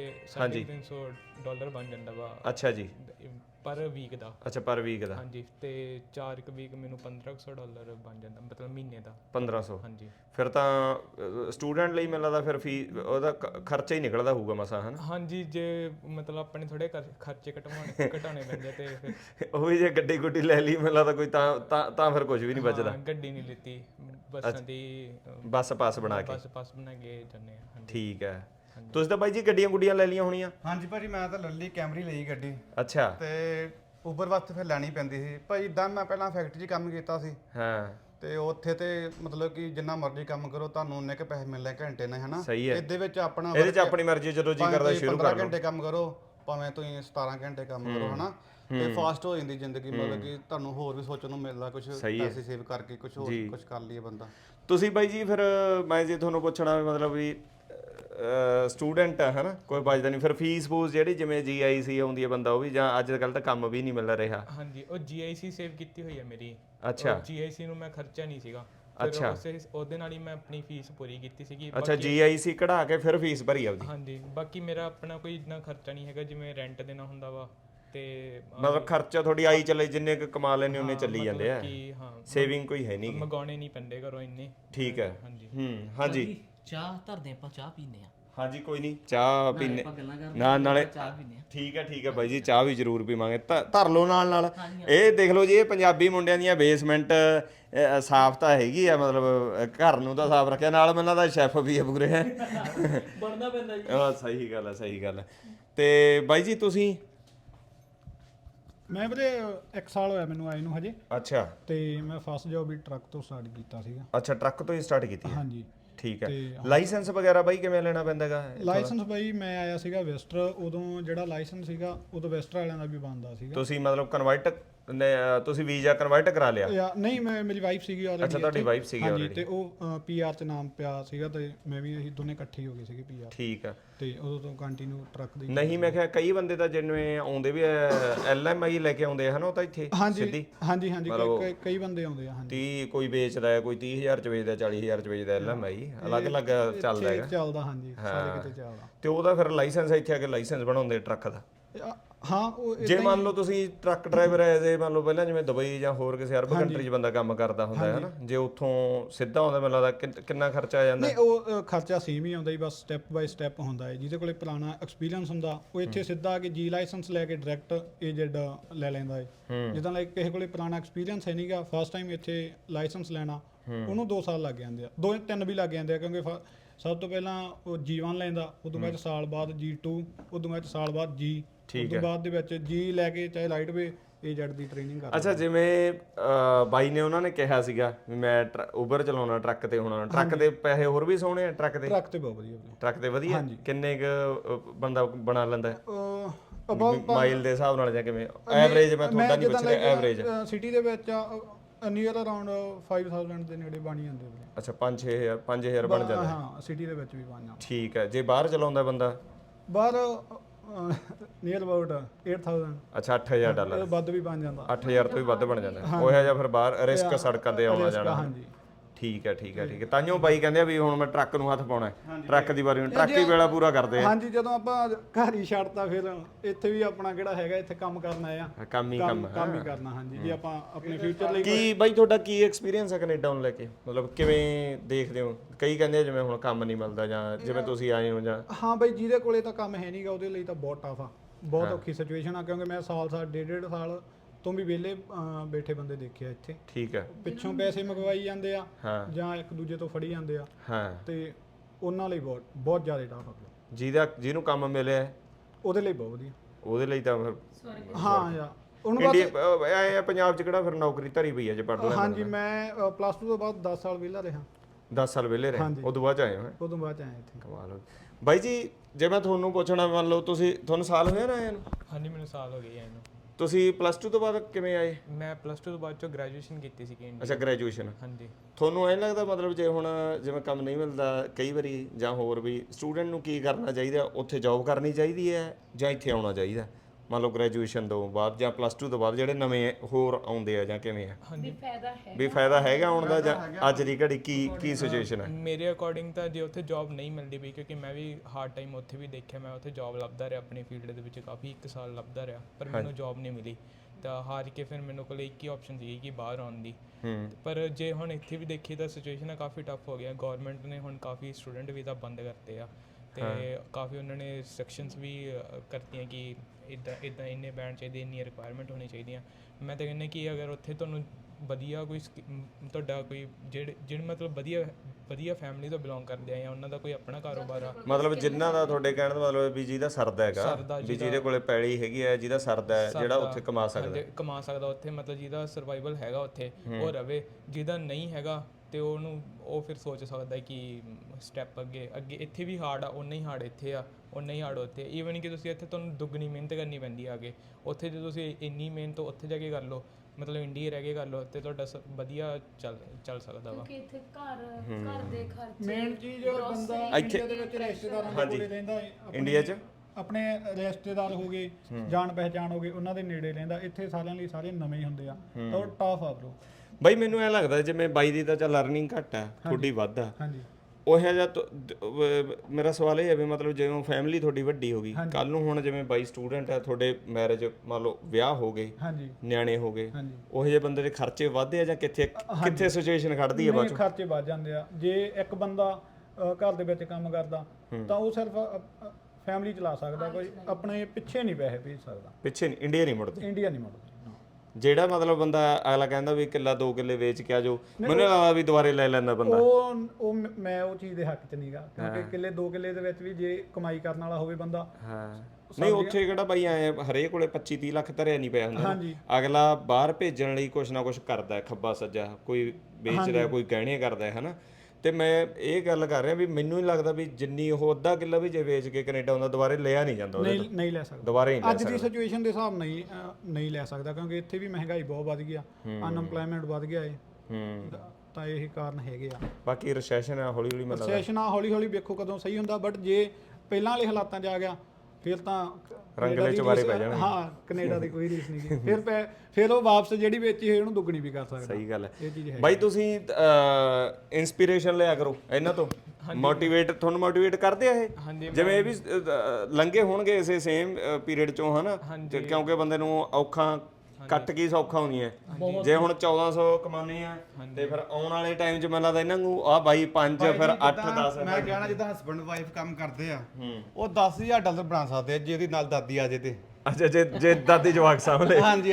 E: $350 ਬਣ ਜਾਂਦਾ ਵਾ।
A: ਅੱਛਾ ਜੀ,
E: ਪਰ ਵੀਕ ਦਾ।
A: ਅੱਛਾ, ਪਰ ਵੀਕ ਦਾ।
E: ਹਾਂਜੀ, ਤੇ 4 ਵੀਕ ਮੈਨੂੰ $1500 ਬਣ ਜਾਂਦਾ, ਮਤਲਬ ਮਹੀਨੇ ਦਾ
A: 1500।
E: ਹਾਂਜੀ,
A: ਫਿਰ ਤਾਂ ਸਟੂਡੈਂਟ ਲਈ ਮੈਨੂੰ ਲੱਗਦਾ ਫਿਰ ਫੀ ਉਹਦਾ ਖਰਚਾ ਹੀ ਨਿਕਲਦਾ ਹੋਊਗਾ ਮਸਾ, ਹਨ?
E: ਹਾਂਜੀ, ਜੇ ਮਤਲਬ ਆਪਣੇ ਥੋੜੇ ਖਰਚੇ ਘਟਾਉਣੇ ਪੈਂਦੇ ਤੇ ਫਿਰ
A: ਉਹ ਵੀ ਜੇ ਗੱਡੀ ਗੁੱਡੀ ਲੈ ਲਈ ਮੈਨੂੰ ਲੱਗਦਾ ਕੋਈ ਤਾਂ ਫਿਰ ਕੁਝ ਵੀ ਨਹੀਂ ਬਚਦਾ।
E: ਗੱਡੀ ਨਹੀਂ ਲਿੱਤੀ, ਬੱਸਾਂ ਦੀ
A: ਬੱਸ ਪਾਸ ਬਣਾ ਕੇ
E: ਜਾਂਦੇ ਆ।
A: ਠੀਕ ਹੈ। ਤੁਸੀਂ ਤਾਂ ਬਾਈ ਜੀ ਗੱਡੀਆਂ ਗੁੱਡੀਆਂ ਲੈ ਲਈਆਂ ਹੋਣੀਆਂ?
D: ਹਾਂਜੀ ਭਾਜੀ, ਮੈਂ ਤਾਂ ਲੱਲੀ ਕੈਮਰੀ ਲਈ ਗੱਡੀ।
A: ਅੱਛਾ।
D: ਤੇ ਉਬਰ ਵਾਸਤੇ ਫਿਰ ਲੈਣੀ ਪੈਂਦੀ ਸੀ ਭਾਈ। ਇਦਾਂ ਮੈਂ ਪਹਿਲਾਂ ਫੈਕਟਰੀ 'ਚ ਕੰਮ ਕੀਤਾ ਸੀ।
A: ਹਾਂ,
D: ਤੇ ਉੱਥੇ ਤੇ ਮਤਲਬ ਕਿ ਜਿੰਨਾ ਮਰਜ਼ੀ ਕੰਮ ਕਰੋ ਤੁਹਾਨੂੰ ਉਨੇ ਕੁ ਪੈਸੇ ਮਿਲਦੇ ਘੰਟੇ ਨਾਲ, ਹਨਾ।
A: ਸਹੀ ਹੈ।
D: ਇਹਦੇ ਵਿੱਚ
A: ਇਹਦੇ 'ਚ ਆਪਣੀ ਮਰਜ਼ੀ, ਜਦੋਂ ਜੀ ਕਰਦਾ ਸ਼ੁਰੂ ਕਰ ਲਓ।
D: 15 ਘੰਟੇ ਕੰਮ ਕਰੋ, ਭਾਵੇਂ ਤੁਸੀਂ 17 ਘੰਟੇ ਕੰਮ ਕਰੋ, ਹਨਾ। ਤੇ ਫਾਸਟ ਹੋ ਜਾਂਦੀ ਜ਼ਿੰਦਗੀ, ਮਤਲਬ ਕਿ ਤੁਹਾਨੂੰ ਹੋਰ ਵੀ ਸੋਚਣ ਨੂੰ ਮਿਲਦਾ, ਕੁਝ ਪੈਸੇ ਸੇਵ ਕਰਕੇ ਕੁਝ ਹੋਰ ਕੁਝ ਕਰ ਲਈਏ ਬੰਦਾ।
A: ਤੁਸੀਂ ਬਾਈ ਜੀ ਫਿਰ ਮੈਂ ਜੇ ਤੁਹਾਨੂੰ ਪੁੱਛਣਾ ਮਤਲਬ ਵੀ ਸਟੂਡੈਂਟ ਆ, ਹਨਾ, ਕੋਈ ਬਚਦਾ ਨਹੀਂ ਫਿਰ ਫੀਸ ਫੂਸ ਜਿਹੜੀ ਜਿਵੇਂ GIC ਆਉਂਦੀ ਹੈ ਬੰਦਾ ਉਹ ਵੀ, ਜਾਂ ਅੱਜ ਕੱਲ੍ਹ ਤਾਂ ਕੰਮ ਵੀ ਨਹੀਂ ਮਿਲ ਰਿਹਾ?
E: ਹਾਂਜੀ, ਉਹ GIC ਸੇਵ ਕੀਤੀ ਹੋਈ ਹੈ ਮੇਰੀ।
A: ਅੱਛਾ,
E: GIC ਨੂੰ ਮੈਂ ਖਰਚਾ ਨਹੀਂ ਸੀਗਾ। ਫਿਰ ਉਹਦੇ ਨਾਲ ਹੀ ਮੈਂ ਆਪਣੀ ਫੀਸ ਪੂਰੀ ਕੀਤੀ ਸੀਗੀ।
A: ਅੱਛਾ GIC ਕਢਾ ਕੇ ਫਿਰ ਫੀਸ ਭਰੀ ਆਪਦੀ।
E: ਹਾਂਜੀ, ਬਾਕੀ ਮੇਰਾ ਆਪਣਾ ਕੋਈ ਇੰਨਾ ਖਰਚਾ ਨਹੀਂ ਹੈਗਾ, ਜਿਵੇਂ ਰੈਂਟ ਦੇਣਾ ਹੁੰਦਾ ਵਾ ਤੇ
A: ਮਤਲਬ ਖਰਚਾ ਤੁਹਾਡੀ ਆਈ ਚੱਲੇ, ਜਿੰਨੇ ਕੁ ਕਮਾ ਲੈਣੇ ਉਹਨੇ ਚੱਲੀ ਜਾਂਦੇ ਆ,
E: ਕਿ ਹਾਂ
A: ਸੇਵਿੰਗ ਕੋਈ ਹੈ ਨਹੀਂ।
E: ਮੰਗਾਉਣੇ ਨਹੀਂ ਪੈਂਦੇ ਘਰੋਂ ਇੰਨੇ।
A: ਠੀਕ ਹੈ।
E: ਹਾਂਜੀ
A: ਹਾਂਜੀ
C: ਚਾਹ ਧਰਦੇ ਆਪਾਂ, ਚਾਹ ਪੀਨੇ ਆ।
A: ਹਾਂਜੀ ਕੋਈ ਨਹੀਂ, ਚਾਹ ਪੀਨੇ
C: ਗੱਲਾਂ ਕਰਦੇ
A: ਨਾਲ ਨਾਲੇ।
C: ਚਾਹ ਪੀਨੇ ਆ।
A: ਠੀਕ ਹੈ ਬਾਈ ਜੀ, ਚਾਹ ਵੀ ਜ਼ਰੂਰ ਪੀਵਾਂਗੇ। ਧਰ ਲਓ ਨਾਲ। ਇਹ ਦੇਖ ਲਓ ਜੀ, ਇਹ ਪੰਜਾਬੀ ਮੁੰਡਿਆਂ ਦੀਆਂ ਬੇਸਮੈਂਟ ਸਾਫ਼ ਤਾਂ ਹੈਗੀ ਆ, ਮਤਲਬ ਘਰ ਨੂੰ ਤਾਂ ਸਾਫ਼ ਰੱਖਿਆ, ਨਾਲ ਮੈਨੂੰ ਲੱਗਦਾ ਸ਼ੈਫ ਵੀ ਆ ਪੂਰੇ।
C: ਬਣਨਾ ਪੈਂਦਾ ਜੀ।
A: ਸਹੀ ਗੱਲ ਹੈ। ਤੇ ਬਾਈ ਜੀ ਤੁਸੀਂ?
B: ਮੈਂ ਵੀਰੇ 1 ਸਾਲ ਹੋਇਆ ਮੈਨੂੰ ਆਏ ਨੂੰ ਹਜੇ।
A: ਅੱਛਾ।
B: ਤੇ ਮੈਂ ਫਸਟ ਜੌਬ ਵੀ ਟਰੱਕ ਤੋਂ ਸਟਾਰਟ ਕੀਤਾ ਸੀਗਾ।
A: ਅੱਛਾ, ਟਰੱਕ ਤੋਂ ਹੀ ਸਟਾਰਟ ਕੀਤੀ ਹੈ?
B: ਹਾਂਜੀ।
A: ਠੀਕ ਹੈ। ਲਾਇਸੈਂਸ ਵਗੈਰਾ ਬਾਈ ਕਿਵੇਂ ਲੈਣਾ ਪੈਂਦਾ ਹੈਗਾ?
B: ਲਾਇਸੈਂਸ ਬਾਈ ਮੈਂ ਆਇਆ ਸੀਗਾ ਵੈਸਟਰ, ਉਦੋਂ ਜਿਹੜਾ ਲਾਇਸੈਂਸ ਸੀਗਾ ਉਦੋਂ ਵੈਸਟਰ ਵਾਲਿਆਂ ਦਾ ਵੀ ਬਣਦਾ ਸੀਗਾ।
A: ਤੁਸੀਂ ਮਤਲਬ ਕਨਵਰਟ, ਤੁਸੀਂ ਵੀਜ਼ਾ ਕਨਵਰਟ ਕਰਾ ਲਿਆ?
B: ਨਹੀਂ, ਮੇਰੀ ਵਾਈਫ ਸੀਗੀ ਆਲਰੇਡੀ।
A: ਅੱਛਾ, ਤੁਹਾਡੀ ਵਾਈਫ ਸੀਗੀ ਆਲਰੇਡੀ।
B: ਤੇ ਉਹ PR 'ਚ ਨਾਮ ਪਿਆ ਸੀਗਾ ਤੇ ਮੈਂ ਵੀ, ਅਸੀਂ ਦੋਨੇ ਇਕੱਠੇ ਹੀ ਹੋ ਗਏ ਸੀਗੇ PR।
A: ਠੀਕ ਆ।
B: ਤੇ ਉਦੋਂ ਤੋਂ ਕੰਟੀਨਿਊ ਟਰੱਕ ਦੀ।
A: ਨਹੀਂ, ਮੈਂ ਕਿਹਾ ਕਈ ਬੰਦੇ ਤਾਂ ਜਿਵੇਂ ਆਉਂਦੇ ਵੀ LMI ਲੈ ਕੇ ਆਉਂਦੇ ਹਨ, ਉਹ ਤਾਂ ਇੱਥੇ ਸਿੱਧੀ।
B: ਹਾਂਜੀ ਕਈ ਬੰਦੇ ਆਉਂਦੇ ਆ। ਹਾਂਜੀ,
A: ਕੋਈ ਵੇਚਦਾ ਹੈ, ਕੋਈ 30,000 ਚ ਵੇਚਦਾ, 40,000 ਚ ਵੇਚਦਾ। LMI ਅਲੱਗ-ਅਲੱਗ ਚੱਲਦਾ ਹੈਗਾ।
B: ਚੱਲਦਾ, ਹਾਂਜੀ, ਸਾਰੇ ਕਿਤੇ ਚੱਲਦਾ।
A: ਤੇ ਉਹਦਾ ਫਿਰ ਲਾਇਸੈਂਸ ਇੱਥੇ ਆ ਕੇ ਲਾਇਸੈਂਸ ਬਣਾਉਂਦੇ ਟਰੱਕ ਦਾ?
B: ਹਾਂ, ਉਹ
A: ਜੇ ਮੰਨ ਲਓ ਤੁਸੀਂ ਟਰੱਕ ਡਰਾਈਵਰ ਐ, ਮੰਨ ਲਓ ਪਹਿਲਾਂ ਜਿਵੇਂ ਦੁਬਈ ਜਾਂ ਹੋਰ ਕਿਸੇ ਅਰਬ ਕੰਟਰੀ 'ਚ ਬੰਦਾ ਕੰਮ ਕਰਦਾ ਹੁੰਦਾ ਹੈ ਨਾ, ਜੇ ਉੱਥੋਂ ਸਿੱਧਾ ਆਉਂਦਾ, ਮੈਨੂੰ ਲੱਗਦਾ ਕਿੰਨਾ ਖਰਚਾ ਆ ਜਾਂਦਾ?
B: ਨਹੀਂ, ਉਹ ਖਰਚਾ ਸੇਮ ਹੀ ਆਉਂਦਾ ਜੀ, ਬਸ ਸਟੈਪ ਬਾਈ ਸਟੈਪ ਹੁੰਦਾ ਹੈ। ਜਿਹਦੇ ਕੋਲੇ ਪੁਰਾਣਾ ਐਕਸਪੀਰੀਅੰਸ ਹੁੰਦਾ ਉਹ ਇੱਥੇ ਸਿੱਧਾ ਆ ਕੇ G ਲਾਇਸੈਂਸ ਲੈ ਕੇ ਡਾਇਰੈਕਟ ਏਜੰਟ ਲੈ ਲੈਂਦਾ ਹੈ। ਜਿੱਦਾਂ ਲਾਈਕ ਕਿਸੇ ਕੋਲੇ ਪੁਰਾਣਾ ਐਕਸਪੀਰੀਅੰਸ ਹੈ ਨਹੀਂਗਾ, ਫਸਟ ਟਾਈਮ ਇੱਥੇ ਲਾਇਸੈਂਸ ਲੈਣਾ, ਉਹਨੂੰ 2 ਸਾਲ ਲੱਗ ਜਾਂਦੇ ਆ, 2-3 ਵੀ ਲੱਗ ਜਾਂਦੇ ਆ, ਕਿਉਂਕਿ ਸਭ ਤੋਂ ਪਹਿਲਾਂ ਉਹ G1 ਲੈਂਦਾ, ਉਦੋਂ ਬਾਅਦ ਸਾਲ ਬਾਅਦ G2, ਉਦੋਂ ਬਾਅਦ ਸਾਲ ਬਾਅਦ G, ਉਦੋਂ ਬਾਅਦ ਦੇ ਵਿੱਚ G ਲੈ ਕੇ ਚਾਹੇ ਲਾਈਟ ਵੇ ਏਜੰਟ ਦੀ ਟ੍ਰੇਨਿੰਗ ਕਰ।
A: ਅੱਛਾ, ਜਿਵੇਂ ਬਾਈ ਨੇ ਉਹਨਾਂ ਨੇ ਕਿਹਾ ਸੀਗਾ ਵੀ ਮੈਂ ਉਬਰ ਚਲਾਉਣਾ, ਟਰੱਕ ਤੇ ਹੋਣਾ, ਟਰੱਕ ਦੇ ਪੈਸੇ ਹੋਰ ਵੀ ਸੋਹਣੇ ਆ? ਟਰੱਕ ਤੇ
B: ਬਹੁਤ ਵਧੀਆ।
A: ਟਰੱਕ ਤੇ ਵਧੀਆ? ਕਿੰਨੇ ਕੁ ਬੰਦਾ ਬਣਾ ਲੈਂਦਾ ਮਾਈਲ ਦੇ ਹਿਸਾਬ ਨਾਲ, ਜਾਂ ਕਿਵੇਂ ਐਵਰੇਜ? ਮੈਂ ਤੁਹਾਡਾ ਨਹੀਂ ਪੁੱਛ ਰਿਹਾ, ਐਵਰੇਜ
B: ਸਿਟੀ ਦੇ ਵਿੱਚ ਨੀਅਰ ਅਰਾਊਂਡ 5000 ਦੇ ਨੇੜੇ ਬਣ ਜਾਂਦੇ ਨੇ।
A: ਅੱਛਾ, 5-6 ਹਜ਼ਾਰ ਬਣ ਜਾਂਦਾ?
B: ਹਾਂ, ਸਿਟੀ ਦੇ ਵਿੱਚ ਵੀ ਬਣ ਜਾਂਦਾ।
A: ਠੀਕ ਹੈ। ਜੇ ਬਾਹਰ ਚਲਾਉਂਦਾ ਬੰਦਾ?
B: ਬਾਹਰ ਨੀਅਰ ਅਬਾਊਟ 8000।
A: ਅੱਛਾ, $8,000
B: ਵੱਧ ਵੀ ਬਣ ਜਾਂਦਾ।
A: 8,000 ਤੋਂ ਵੀ ਵੱਧ ਬਣ ਜਾਂਦਾ। ਉਹ ਜਿਹਾ ਫਿਰ ਬਾਹਰ ਰਿਸਕ ਸੜਕਾਂ ਤੇ ਆਉਣਾ ਜਾਣਾ।
B: ਹਾਂਜੀ,
A: ਠੀਕ ਹੈ। ਤਾਂਹੀਓ ਬਾਈ ਕਹਿੰਦੇ ਆ ਵੀ ਹੁਣ ਮੈਂ ਟਰੱਕ ਨੂੰ ਹੱਥ ਪਾਉਣਾ, ਟਰੱਕ ਦੀ ਵਾਰੀ ਟਰੱਕ ਹੀ ਵੇਲਾ ਪੂਰਾ ਕਰਦੇ ਆ।
B: ਹਾਂਜੀ, ਜਦੋਂ ਆਪਾਂ ਘਰ ਹੀ ਛੱਡਤਾ ਫਿਰ ਇੱਥੇ ਵੀ ਆਪਣਾ ਕਿਹੜਾ ਹੈਗਾ, ਇੱਥੇ ਕੰਮ ਕਰਨਾ ਆ, ਕੰਮ ਹੀ ਕਰਨਾ। ਹਾਂਜੀ, ਜੇ ਆਪਾਂ ਆਪਣੇ ਫਿਊਚਰ ਲਈ।
A: ਕੀ ਬਾਈ ਤੁਹਾਡਾ ਕੀ ਐਕਸਪੀਰੀਅੰਸ ਹੈ ਕੈਨੇਡਾ ਨੂੰ ਲੈ ਕੇ? ਮਤਲਬ ਕਿਵੇਂ ਦੇਖਦੇ ਹੋ? ਕਈ ਕਹਿੰਦੇ ਜਿਵੇਂ ਹੁਣ ਕੰਮ ਨਹੀਂ ਮਿਲਦਾ, ਜਾਂ ਜਿਵੇਂ ਤੁਸੀਂ ਆਏ ਹੋ, ਜਾਂ?
B: ਹਾਂ ਬਾਈ, ਜਿਹਦੇ ਕੋਲੇ ਤਾਂ ਕੰਮ ਹੈ ਨਹੀਂਗਾ ਉਹਦੇ ਲਈ ਤਾਂ ਬਹੁਤ ਟਫ ਆ, ਬਹੁਤ ਔਖੀ ਸਿਚੁਏਸ਼ਨ ਆ, ਕਿਉਂਕਿ ਮੈਂ ਡੇਢ ਸਾਲ ਤੋਂ ਵੀ ਵਿਹਲੇ ਬੈਠੇ ਬੰਦੇ ਦੇਖਿਆ ਇੱਥੇ।
A: ਠੀਕ ਹੈ।
B: ਪਿੱਛੋਂ ਪੈਸੇ ਮੰਗਵਾਈ ਜਾਂਦੇ ਆ, ਜਾਂ ਇੱਕ ਦੂਜੇ ਤੋਂ ਫੜੀ ਜਾਂਦੇ ਆ, ਤੇ ਉਹਨਾਂ ਲਈ ਬਹੁਤ ਜ਼ਿਆਦਾ ਟਫ ਆ।
A: ਜਿਹਨੂੰ ਕੰਮ ਮਿਲਿਆ
B: ਉਹਦੇ ਲਈ ਬਹੁਤ ਵਧੀਆ,
A: ਉਹਦੇ ਲਈ ਤਾਂ ਫਿਰ
B: ਹਾਂ ਯਾਰ।
A: ਇੰਡੀਆ ਪੰਜਾਬ 'ਚ ਕਿਹੜਾ ਫਿਰ ਨੌਕਰੀ ਧਰੀ ਪਈ ਹੈ ਜੇ ਪੜ੍ਹਦਾ?
B: ਹਾਂਜੀ, ਮੈਂ ਪਲੱਸ 2 ਤੋਂ ਬਾਅਦ 10 ਸਾਲ ਵਿਹਲਾ ਰਿਹਾ।
A: 10 ਸਾਲ ਵਿਹਲੇ ਰਹੇ, ਉਦੋਂ ਬਾਅਦ 'ਚ ਆਏ ਹੋ?
B: ਉਦੋਂ ਬਾਅਦ 'ਚ ਆਏ ਇੱਥੇ।
A: ਕਮਾਲ ਹੋ ਗਈ ਬਾਈ ਜੀ। ਜੇ ਮੈਂ ਤੁਹਾਨੂੰ ਪੁੱਛਣਾ, ਮੰਨ ਲਓ ਤੁਹਾਨੂੰ ਸਾਲ ਹੋਇਆ ਨਾ ਆਏ ਨੂੰ?
E: ਹਾਂਜੀ, ਮੈਨੂੰ ਸਾਲ ਹੋ ਗਏ ਆਏ ਨੂੰ।
A: ਤੁਸੀਂ ਪਲੱਸ 2 ਤੋਂ ਬਾਅਦ ਕਿਵੇਂ ਆਏ?
E: ਮੈਂ ਪਲੱਸ 2 ਤੋਂ ਬਾਅਦ ਚੋਂ ਗ੍ਰੈਜੂਏਸ਼ਨ ਕੀਤੀ ਸੀ ਇੰਡੀਆ।
A: ਅੱਛਾ, ਗ੍ਰੈਜੂਏਸ਼ਨ।
E: ਹਾਂਜੀ।
A: ਤੁਹਾਨੂੰ ਐਂ ਲੱਗਦਾ ਮਤਲਬ ਜੇ ਹੁਣ ਜਿਵੇਂ ਕੰਮ ਨਹੀਂ ਮਿਲਦਾ ਕਈ ਵਾਰੀ, ਜਾਂ ਹੋਰ ਵੀ, ਸਟੂਡੈਂਟ ਨੂੰ ਕੀ ਕਰਨਾ ਚਾਹੀਦਾ? ਉੱਥੇ ਜੌਬ ਕਰਨੀ ਚਾਹੀਦੀ ਹੈ ਜਾਂ ਇੱਥੇ ਆਉਣਾ ਚਾਹੀਦਾ? ਮੰਨ ਲਓ ਗ੍ਰੈਜੂਏਸ਼ਨ ਤੋਂ ਬਾਅਦ ਜਾਂ ਪਲੱਸ 2 ਤੋਂ ਬਾਅਦ ਜਿਹੜੇ ਨਵੇਂ ਹੋਰ ਆਉਂਦੇ ਆ, ਜਾਂ ਕਿਵੇਂ ਆ? ਵੀ ਫਾਇਦਾ ਹੈਗਾ ਆਉਣ ਦਾ, ਜਾਂ ਅੱਜ ਦੀ ਘੜੀ ਕੀ ਸਿਚੁਏਸ਼ਨ ਹੈ?
E: ਮੇਰੇ ਅਕੋਰਡਿੰਗ ਤਾਂ ਜੇ ਉੱਥੇ ਜੌਬ ਨਹੀਂ ਮਿਲਦੀ ਪਈ, ਕਿਉਂਕਿ ਮੈਂ ਵੀ ਹਾਰਡ ਟਾਈਮ ਉੱਥੇ ਵੀ ਦੇਖਿਆ, ਮੈਂ ਉੱਥੇ ਜੌਬ ਲੱਭਦਾ ਰਿਹਾ ਆਪਣੀ ਫੀਲਡ ਦੇ ਵਿੱਚ, ਕਾਫੀ 1 ਸਾਲ ਲੱਭਦਾ ਰਿਹਾ, ਪਰ ਮੈਨੂੰ ਜੌਬ ਨਹੀਂ ਮਿਲੀ। ਤਾਂ ਹਾਰ ਕੇ ਫਿਰ ਮੈਨੂੰ ਕੋਲ ਇੱਕ ਹੀ ਆਪਸ਼ਨ ਸੀਗੀ ਕਿ ਬਾਹਰ ਆਉਣ ਦੀ। ਪਰ ਜੇ ਹੁਣ ਇੱਥੇ ਵੀ ਦੇਖੀਏ ਤਾਂ ਸਿਚੁਏਸ਼ਨ ਕਾਫੀ ਟਫ ਹੋ ਗਿਆ। ਗੌਰਮੈਂਟ ਨੇ ਹੁਣ ਕਾਫੀ ਸਟੂਡੈਂਟ ਵੀਜ਼ਾ ਬੰਦ ਕਰਤੇ ਆ, ਤੇ ਕਾਫੀ ਉਹਨਾਂ ਨੇ ਸੈਕਸ਼ਨਸ ਵੀ ਕਰਤੀਆਂ ਕਿ ਇੱਦਾਂ ਇੰਨੇ ਬੈਂਡ ਚਾਹੀਦੇ, ਇੰਨੀ ਰਿਕੁਆਇਰਮੈਂਟ ਹੋਣੀ ਚਾਹੀਦੀਆਂ। ਮੈਂ ਤਾਂ ਕਹਿੰਦਾ ਕਿ ਅਗਰ ਉੱਥੇ ਤੁਹਾਨੂੰ ਵਧੀਆ ਕੋਈ ਤੁਹਾਡਾ ਕੋਈ ਜਿਹੜੇ ਮਤਲਬ ਵਧੀਆ ਫੈਮਿਲੀ ਤੋਂ ਬਿਲੋਂਗ ਕਰਦੇ ਆ, ਜਾਂ ਉਹਨਾਂ ਦਾ ਕੋਈ ਆਪਣਾ ਕਾਰੋਬਾਰ ਆ,
A: ਮਤਲਬ ਜਿਨ੍ਹਾਂ ਦਾ ਤੁਹਾਡੇ ਕਹਿਣ ਦਾ ਮਤਲਬ ਵੀ ਜਿਹਦਾ ਸਰਦਾ ਹੈਗਾ, ਵੀ ਜਿਹਦੇ ਕੋਲੇ ਪੈਲੀ ਹੈਗੀ ਹੈ, ਜਿਹਦਾ ਸਰਦਾ ਹੈ, ਜਿਹੜਾ ਉੱਥੇ ਕਮਾ ਸਕਦਾ
E: ਉੱਥੇ, ਮਤਲਬ ਜਿਹਦਾ ਸਰਵਾਈਵਲ ਹੈਗਾ ਉੱਥੇ ਉਹ ਰਵੇ। ਜਿਹਦਾ ਨਹੀਂ ਹੈਗਾ ਤੇ ਉਹ ਫਿਰ ਸੋਚ ਸਕਦਾ ਕਿ ਸਟੈਪ ਅੱਗੇ ਇੱਥੇ ਵੀ ਹਾਰਡ ਆ, ਓਨਾ ਹੀ ਹਾਰਡ ਇੱਥੇ ਆ, ਓਨਾ ਹੀ ਹਾਰਡ ਉੱਥੇ। ਈਵਨ ਕਿ ਤੁਸੀਂ ਇੱਥੇ ਤੁਹਾਨੂੰ ਦੁੱਗਣੀ ਮਿਹਨਤ ਕਰਨੀ ਪੈਂਦੀ ਆ ਅੱਗੇ, ਉੱਥੇ ਜੇ ਤੁਸੀਂ ਇੰਨੀ ਮਿਹਨਤ ਉੱਥੇ ਜਾ ਕੇ ਕਰ ਲਓ, ਮਤਲਬ ਇੰਡੀਆ ਰਹਿ ਕੇ ਕਰ ਲਓ, ਤੇ ਤੁਹਾਡਾ ਵਧੀਆ ਚੱਲ ਸਕਦਾ ਵਾ।
F: ਕਿਉਂਕਿ ਇੱਥੇ ਘਰ ਦੇ ਖਰਚੇ,
B: ਮੇਨ ਚੀਜ਼ ਬੰਦਾ ਇੰਡੀਆ ਦੇ ਵਿੱਚ ਰਿਸ਼ਤੇਦਾਰਾਂ ਦੇ ਕੋਲੇ ਰਹਿੰਦਾ ਹੈ,
A: ਇੰਡੀਆ 'ਚ
B: ਆਪਣੇ ਰਿਸ਼ਤੇਦਾਰ ਹੋ ਗਏ, ਜਾਣ ਪਹਿਚਾਣ ਹੋ ਗਏ, ਉਹਨਾਂ ਦੇ ਨੇੜੇ ਰਹਿੰਦਾ। ਇੱਥੇ ਸਾਰਿਆਂ ਲਈ ਸਾਰੇ ਨਵੇਂ ਹੀ ਹੁੰਦੇ ਆ, ਤਾਂ ਉਹ ਟਫ ਆ ਬ్రో।
A: ਬਾਈ ਮੈਨੂੰ ਐ ਲੱਗਦਾ ਜਿਵੇਂ ਬਾਈ ਦੀ ਤਾਂ ਚੱਲ ਅਰਨਿੰਗ ਘੱਟ ਆ, ਤੁਹਾਡੀ ਵੱਧ ਆ।
B: ਹਾਂਜੀ
A: ਉਹ ਜਿਹਾ ਮੇਰਾ ਸਵਾਲ ਇਹ ਹੈ ਵੀ ਮਤਲਬ ਜਿਵੇਂ ਫੈਮਿਲੀ ਤੁਹਾਡੀ ਵੱਡੀ ਹੋ ਗਈ, ਕੱਲ ਨੂੰ ਹੁਣ ਜਿਵੇਂ ਬਾਈ ਸਟੂਡੈਂਟ ਆ, ਤੁਹਾਡੇ ਮੈਰਿਜ ਮੰਨ ਲਓ ਵਿਆਹ ਹੋ ਗਏ,
B: ਹਾਂਜੀ
A: ਨਿਆਣੇ ਹੋ ਗਏ,
B: ਹਾਂਜੀ
A: ਉਹ ਜਿਹੇ ਬੰਦੇ ਦੇ ਖਰਚੇ ਵੱਧਦੇ ਆ ਜਾਂ ਕਿੱਥੇ ਸਿਚੁਏਸ਼ਨ ਖੜਦੀ ਹੈ ਬਾਅਦ
B: ਨਹੀਂ, ਖਰਚੇ ਵੱਧ ਜਾਂਦੇ ਆ। ਜੇ ਇੱਕ ਬੰਦਾ ਘਰ ਦੇ ਵਿੱਚ ਕੰਮ ਕਰਦਾ ਤਾਂ ਉਹ ਸਿਰਫ ਫੈਮਿਲੀ ਚਲਾ ਸਕਦਾ, ਕੋਈ ਆਪਣੇ ਪਿੱਛੇ ਨਹੀਂ ਪੈਸੇ ਭੇਜ ਸਕਦਾ,
A: ਪਿੱਛੇ ਇੰਡੀਆ ਨਹੀਂ ਮੁੜਦੇ।
B: ਇੰਡੀਆ ਨਹੀਂ ਮੁੜਦਾ।
A: ਜਿਹੜਾ ਮਤਲਬ ਬੰਦਾ ਅਗਲਾ ਕਹਿੰਦਾ ਵੀ ਕਿੱਲਾ 2 ਕਿੱਲੇ ਵੇਚ ਕੇ ਆ ਜਾਓ, ਮੈਨੂੰ ਲੱਗਦਾ ਵੀ ਦੁਬਾਰੇ ਲੈ ਲੈਂਦਾ ਬੰਦਾ।
B: ਮੈਂ ਉਹ ਚੀਜ਼ ਦੇ ਹੱਕ 'ਚ ਨਹੀਂਗਾ, ਕਿਉਂਕਿ ਕਿੱਲੇ 2 ਕਿੱਲੇ ਦੇ ਵਿੱਚ ਵੀ ਜੇ ਕਮਾਈ ਕਰਨ ਵਾਲਾ ਹੋਵੇ ਬੰਦਾ।
A: ਹਾਂ ਨਹੀਂ ਉੱਥੇ ਕਿਹੜਾ ਬਾਈ ਆਏ ਹਰੇਕ ਕੋਲੇ 25-30 ਲੱਖ ਧਰਿਆ ਨਹੀਂ ਪਿਆ ਹੁੰਦਾ।
B: ਹਾਂਜੀ
A: ਅਗਲਾ ਬਾਹਰ ਭੇਜਣ ਲਈ ਕੁਛ ਨਾ ਕੁਛ ਕਰਦਾ, ਖੱਬਾ ਸੱਜਾ, ਕੋਈ ਵੇਚਦਾ, ਕੋਈ ਗਹਿਣੇ ਕਰਦਾ, ਹਨਾ। ਤੇ ਮੈਂ ਇਹ ਗੱਲ ਕਰ ਰਿਹਾ ਵੀ ਮੈਨੂੰ ਨਹੀਂ ਲੱਗਦਾ ਵੀ ਜਿੰਨੀ ਉਹ ਅੱਧਾ ਕਿੱਲਾ ਵੀ ਜੇ ਵੇਚ ਕੇ ਕੈਨੇਡਾ ਹੁੰਦਾ ਦੁਬਾਰੇ ਲਿਆ ਨਹੀਂ ਜਾਂਦਾ,
B: ਨਹੀਂ ਲੈ ਸਕਦਾ
A: ਦੁਬਾਰੇ ਨਹੀਂ
B: ਅੱਜ ਦੀ ਸਿਚੁਏਸ਼ਨ ਦੇ ਹਿਸਾਬ ਨਹੀਂ ਲੈ ਸਕਦਾ, ਕਿਉਂਕਿ ਇੱਥੇ ਵੀ ਮਹਿੰਗਾਈ ਬਹੁਤ ਵੱਧ ਗਈ ਆ, ਅਨਐਮਪਲੋਇਮੈਂਟ ਵੱਧ ਗਿਆ ਏ। ਤਾਂ ਇਹ ਕਾਰਨ ਹੈਗੇ ਆ।
A: ਬਾਕੀ ਰਿਸੈਸ਼ਨ ਆ ਹੌਲੀ ਹੌਲੀ ਮਤਲਬ
B: ਰਿਸੈਸ਼ਨ ਆ ਹੌਲੀ ਹੌਲੀ ਵੇਖੋ ਕਦੋਂ ਸਹੀ ਹੁੰਦਾ, ਬਟ ਜੇ ਪਹਿਲਾਂ ਵਾਲੇ ਹਾਲਾਤਾਂ 'ਚ ਆ ਗਿਆ ਫਿਰ ਤਾਂ
A: ਰੰਗਲੇ ਚਵਾਰੇ ਪੈ ਜਾਣਗੇ।
B: ਹਾਂ ਕੈਨੇਡਾ ਦੀ ਕੋਈ ਰੀਸ ਨਹੀਂ ਫਿਰ ਉਹ ਵਾਪਸ ਜਿਹੜੀ ਵੇਚੀ ਹੋਈ ਉਹਨੂੰ ਦੁੱਗਣੀ ਵੀ ਕਰ ਸਕਦਾ।
A: ਸਹੀ ਗੱਲ
B: ਇਹ ਚੀਜ਼
A: ਹੈ
B: ਹੈ।
A: ਬਾਈ। ਤੁਸੀਂ ਇਨਸਪੀਰੇਸ਼ਨ ਲਿਆ ਕਰੋ ਇਹਨਾਂ ਤੋਂ, ਤੁਹਾਨੂੰ ਮੋਟੀਵੇਟ ਕਰਦੇ ਆ ਇਹ? ਜਿਵੇਂ ਇਹ ਵੀ ਲੰਘੇ ਹੋਣਗੇ ਇਸੇ ਸੇਮ ਪੀਰੀਅਡ ਚੋਂ, ਹਨਾ, ਕਿਉਂਕਿ ਬੰਦੇ ਨੂੰ ਔਖਾ ਕੱਟ ਕੀ ਸੌਖਾ ਹੁੰਦੀਆਂ। ਜੇ ਹੁਣ 1400 ਕਮਾਉਂਦੇ ਆ ਤੇ ਫਿਰ ਆਉਣ ਵਾਲੇ ਟਾਈਮ 'ਚ ਮੈਨੂੰ ਲੱਗਦਾ ਇਹਨਾਂ ਨੂੰ ਆ ਬਾਈ 5 ਫਿਰ 8 10।
D: ਮੈਂ ਕਹਿਣਾ ਜਿੱਦਾਂ ਹਸਬੰਡ ਵਾਈਫ ਕੰਮ ਕਰਦੇ ਆ, ਉਹ $10,000 ਬਣਾ ਸਕਦੇ ਆ ਜੇ ਉਹਦੀ ਨਾਲ ਦਾਦੀ ਆ ਜੇ ਤੇ।
A: ਅੱਛਾ, ਜੇ ਦਾਦੀ ਜਵਾਕ ਸਾਹਮਣੇ।
D: ਹਾਂਜੀ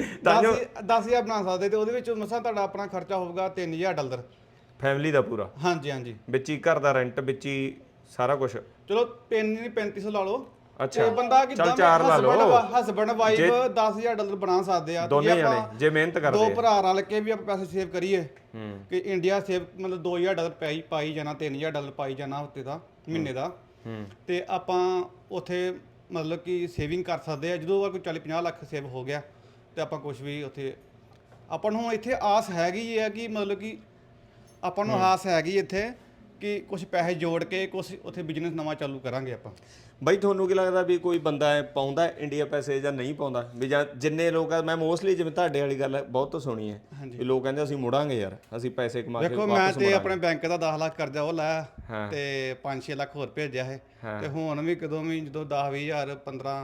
D: 10,000 ਬਣਾ ਸਕਦੇ ਤੇ ਉਹਦੇ ਵਿੱਚ ਮਸਾਂ ਤੁਹਾਡਾ ਆਪਣਾ ਖਰਚਾ ਹੋਊਗਾ $3,000
A: ਫੈਮਿਲੀ ਦਾ ਪੂਰਾ।
D: ਹਾਂਜੀ
A: ਵਿੱਚ ਹੀ ਘਰ ਦਾ ਰੈਂਟ, ਵਿੱਚ ਹੀ ਸਾਰਾ ਕੁਝ।
D: ਚਲੋ 3500 ਲਾ ਲਓ।
A: ਅੱਛਾ,
D: ਤੇ ਬੰਦਾ ਕਿਦਾਂ
A: ਚਾਰ ਲਾ ਲਓ।
D: ਹਸਬੰਡ ਵਾਈਫ $10,000 ਬਣਾ ਸਕਦੇ ਆ
A: ਦੋਨੇ ਜਾਣੇ ਜੇ ਮਿਹਨਤ ਕਰਦੇ
D: ਦੋ ਭਰਾ ਰਲ ਕੇ ਵੀ ਆਪਾਂ ਪੈਸੇ ਸੇਵ ਕਰੀਏ ਕਿ ਇੰਡੀਆ ਸੇਵ ਮਤਲਬ $2,000 ਪਾਈ ਜਾਣਾ, $3,000 ਪਾਈ ਜਾਣਾ ਹਫ਼ਤੇ ਦਾ, ਮਹੀਨੇ ਦਾ, ਤੇ ਆਪਾਂ ਉੱਥੇ ਮਤਲਬ ਕਿ ਸੇਵਿੰਗ ਕਰ ਸਕਦੇ ਆ। ਜਦੋਂ ਕੋਈ 40-50 ਲੱਖ ਸੇਵ ਹੋ ਗਿਆ ਤੇ ਆਪਾਂ ਕੁਝ ਵੀ ਉੱਥੇ ਆਪਾਂ ਨੂੰ ਇੱਥੇ ਆਸ ਹੈਗੀ ਹੈ ਕਿ ਮਤਲਬ ਕਿ ਆਪਾਂ ਨੂੰ ਆਸ ਹੈਗੀ ਇੱਥੇ ਕਿ ਕੁਝ ਪੈਸੇ ਜੋੜ ਕੇ ਕੁਝ ਉੱਥੇ ਬਿਜ਼ਨਸ ਨਵਾਂ ਚਾਲੂ ਕਰਾਂਗੇ ਆਪਾਂ।
A: ਬਾਈ ਤੁਹਾਨੂੰ ਕੀ ਲੱਗਦਾ ਵੀ ਕੋਈ ਬੰਦਾ ਪਾਉਂਦਾ ਇੰਡੀਆ ਪੈਸੇ ਜਾਂ ਨਹੀਂ ਪਾਉਂਦਾ? ਵੀ ਜਾਂ ਜਿੰਨੇ ਲੋਕ ਆ, ਮੈਂ ਮੋਸਟਲੀ ਜਿਵੇਂ ਤੁਹਾਡੇ ਵਾਲੀ ਗੱਲ ਬਹੁਤ ਸੁਣੀ ਹੈ ਵੀ ਲੋਕ ਕਹਿੰਦੇ ਅਸੀਂ ਮੁੜਾਂਗੇ ਯਾਰ, ਅਸੀਂ ਪੈਸੇ ਕਮਾ ਕੇ
D: ਦੇਖੋ ਮੈਂ ਤੇ ਆਪਣੇ ਬੈਂਕ ਦਾ 10 ਲੱਖ ਕਰਜ਼ਾ ਉਹ ਲਾਇਆ ਤੇ 5-6 ਲੱਖ ਹੋਰ ਭੇਜਿਆ ਹੈ ਤੇ ਹੁਣ ਵੀ ਕਦੋਂ ਵੀ ਜਦੋਂ 10-20,000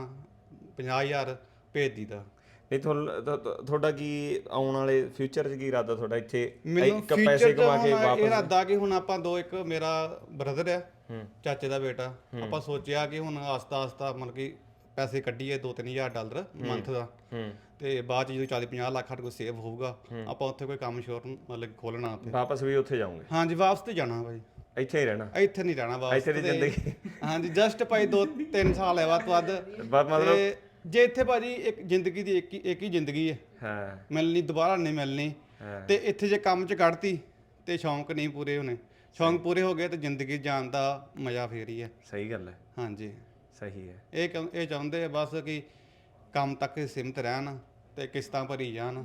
D: 15-50,000 ਭੇਜ ਦੀਦਾ।
A: ਨਹੀਂ ਤੁਹਾਡਾ ਕੀ ਆਉਣ ਵਾਲੇ ਫਿਊਚਰ 'ਚ ਕੀ ਇਰਾਦਾ ਤੁਹਾਡਾ ਇੱਥੇ
D: ਮੈਨੂੰ
A: ਪੈਸੇ ਕਮਾ ਕੇ
D: ਇਹ
A: ਵਾਪਸ?
D: ਇਰਾਦਾ ਕਿ ਹੁਣ ਆਪਾਂ ਇੱਕ ਮੇਰਾ ਬ੍ਰਦਰ ਆ, ਚਾਚੇ ਦਾ ਬੇਟਾ, ਆਪਾਂ ਸੋਚਿਆ ਕਿ ਹੁਣ ਆਸਤਾ ਮਤਲਬ ਕਿ ਪੈਸੇ ਕੱਢੀਏ $2-3,000 ਮੰਥ ਦਾ, ਤੇ ਬਾਅਦ ਚ ਜਦੋਂ 40-50 ਲੱਖ ਸਾਡੇ ਕੋਲ ਸੇਵ ਹੋਊਗਾ ਆਪਾਂ ਉੱਥੇ ਕੋਈ ਕੰਮ ਸ਼ੋਰ ਮਤਲਬ ਖੋਲਣਾ ਉੱਥੇ।
A: ਵਾਪਸ ਵੀ ਉੱਥੇ ਜਾਓਗੇ?
D: ਹਾਂਜੀ ਵਾਪਸ ਤੇ ਜਾਣਾ ਭਾਈ,
A: ਇੱਥੇ ਹੀ ਰਹਿਣਾ?
D: ਇੱਥੇ ਨਹੀਂ ਰਹਿਣਾ ਵਾਪਸ,
A: ਇੱਥੇ ਦੀ ਜ਼ਿੰਦਗੀ।
D: ਹਾਂਜੀ ਜਸਟ ਭਾਈ 2-3 ਸਾਲ ਹੈ ਵੱਧ ਤੋਂ ਵੱਧ।
A: ਮਤਲਬ
D: ਜੇ ਇੱਥੇ ਭਾਜੀ ਇੱਕ ਜ਼ਿੰਦਗੀ ਦੀ ਇੱਕ ਹੀ ਜ਼ਿੰਦਗੀ ਹੈ, ਮਿਲਣੀ ਦੁਬਾਰਾ ਨਹੀਂ ਮਿਲਣੀ, ਤੇ ਇੱਥੇ ਜੇ ਕੰਮ 'ਚ ਕੱਢਤੀ ਤੇ ਸ਼ੌਂਕ ਨਹੀਂ ਪੂਰੇ ਹੋਣੇ, ਸ਼ੌਂਕ ਪੂਰੇ ਹੋ ਗਏ ਤੇ ਜ਼ਿੰਦਗੀ ਜਾਣ ਦਾ ਮਜ਼ਾ ਫੇਰ ਹੀ ਹੈ।
A: ਸਹੀ ਗੱਲ ਹੈ।
D: ਹਾਂਜੀ
A: ਸਹੀ ਹੈ।
D: ਇਹ ਚਾਹੁੰਦੇ ਆ ਬਸ ਕਿ ਕੰਮ ਤੱਕ ਸੀਮਿਤ ਰਹਿਣ ਤੇ ਕਿਸ਼ਤਾਂ ਭਰੀ ਜਾਣ।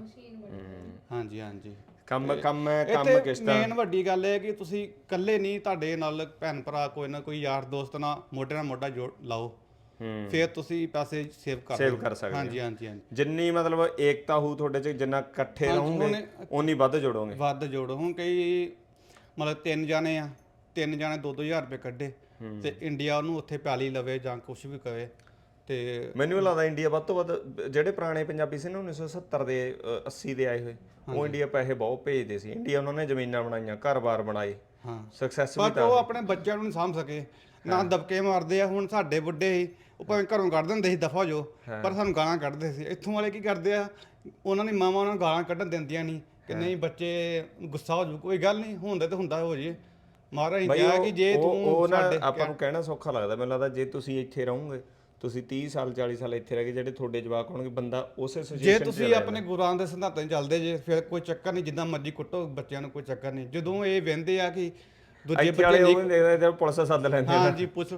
D: ਹਾਂਜੀ
A: ਕੰਮ ਕਿਸ਼ਤਾਂ।
D: ਮੇਨ ਵੱਡੀ ਗੱਲ ਇਹ ਕਿ ਤੁਸੀਂ ਇਕੱਲੇ ਨਹੀਂ, ਤੁਹਾਡੇ ਨਾਲ ਭੈਣ ਭਰਾ ਕੋਈ ਨਾ ਕੋਈ ਯਾਰ ਦੋਸਤ ਨਾਲ ਮੋਢੇ ਨਾਲ ਮੋਢਾ ਜੋੜ ਲਾਓ, ਫਿਰ ਤੁਸੀਂ ਪੈਸੇ ਸੇਵ ਕਰ ਸਕਦੇ। ਹਾਂਜੀ
A: ਜਿੰਨੀ ਮਤਲਬ ਏਕਤਾ ਹੋਊ ਤੁਹਾਡੇ ਚ, ਜਿੰਨਾ ਇਕੱਠੇ ਰਹੋਗੇ ਓਨੀ ਵੱਧ ਜੋੜੋ। ਹੁਣ ਕਈ ਮਤਲਬ 3 ਜਾਣੇ ਆ, 3 ਜਾਣੇ 2-2 ਹਜ਼ਾਰ ਰੁਪਏ ਕੱਢੇ ਤੇ ਇੰਡੀਆ ਉਹਨੂੰ ਉੱਥੇ ਪੈਲੀ ਲਵੇ ਜਾਂ ਕੁਝ ਵੀ ਕਵੇ। ਤੇ ਮੈਨੂੰ ਲੱਗਦਾ ਇੰਡੀਆ ਵੱਧ ਤੋਂ ਵੱਧ ਜਿਹੜੇ ਪੁਰਾਣੇ ਪੰਜਾਬੀ ਸੀ ਨਾ 1970 ਦੇ 80 ਦੇ ਆਏ ਹੋਏ, ਉਹ ਇੰਡੀਆ ਪੈਸੇ ਬਹੁਤ ਭੇਜਦੇ ਸੀ। ਇੰਡੀਆ ਉਹਨਾਂ ਨੇ ਜ਼ਮੀਨਾਂ ਬਣਾਈਆਂ, ਘਰ-ਬਾਰ ਬਣਾਏ, ਸਕਸੈਸ ਵੀ।
D: ਪਰ ਉਹ ਆਪਣੇ ਬੱਚਿਆਂ ਨੂੰ ਨਹੀਂ ਸਾਂਭ ਸਕੇ, ਨਾ ਦਬਕੇ ਮਾਰਦੇ ਆ। ਹੁਣ ਸਾਡੇ ਬੁੱਢੇ ਸੀ, ਉਹ ਭਾਵੇਂ ਘਰੋਂ ਕੱਢ ਦਿੰਦੇ ਸੀ ਦਫਾ ਜੋ, ਪਰ ਸਾਨੂੰ ਗਾਲਾਂ ਕੱਢਦੇ ਸੀ। ਇੱਥੋਂ ਵਾਲੇ ਕੀ ਕਰਦੇ ਆ, ਉਹਨਾਂ ਦੀ ਮਾਵਾਂ ਉਹਨਾਂ ਨੂੰ ਗਾਲਾਂ ਕੱਢਣ ਦਿੰਦੀਆਂ ਨਹੀਂ ਕਿ ਨਹੀਂ ਬੱਚੇ ਗੁੱਸਾ ਹੋ ਜੂ, ਕੋਈ ਗੱਲ ਨਹੀਂ, ਹੁੰਦਾ ਤੇ ਹੁੰਦਾ ਹੋ ਜੇ। ਮਹਾਰਾਜ ਨੇ ਕਿਹਾ ਕਿ ਜੇ ਤੂੰ
A: ਸਾਡੇ ਆਪਾਂ ਨੂੰ ਕਹਿਣਾ ਸੌਖਾ ਲੱਗਦਾ, ਮੈਨੂੰ ਲੱਗਦਾ ਜੇ ਤੁਸੀਂ ਇੱਥੇ ਰਹੋਗੇ, ਤੁਸੀਂ 30 ਸਾਲ 40 ਸਾਲ ਇੱਥੇ ਰਹਿ ਕੇ ਜਿਹੜੇ ਤੁਹਾਡੇ ਜਵਾਕ ਹੋਣਗੇ, ਬੰਦਾ ਉਸੇ ਸਿਚੁਏਸ਼ਨ
D: ਜੇ ਤੁਸੀਂ ਆਪਣੇ ਗੁਰਾਂ ਦੇ ਸਿਧਾਂਤਾਂ 'ਚ ਚੱਲਦੇ ਜੇ ਫਿਰ ਕੋਈ ਚੱਕਰ ਨਹੀਂ, ਜਿੱਦਾਂ ਮਰਜ਼ੀ ਕੁੱਟੋ ਬੱਚਿਆਂ ਨੂੰ, ਕੋਈ ਚੱਕਰ ਨਹੀਂ। ਜਦੋਂ ਇਹ ਵਹਿੰਦੇ ਆ ਕਿ ਦੂਜੇ
A: ਬੱਚੇ ਪੁਲਿਸ ਸੱਦ ਲੈਂਦੇ,
D: ਹਾਂਜੀ ਪੁਲਿਸ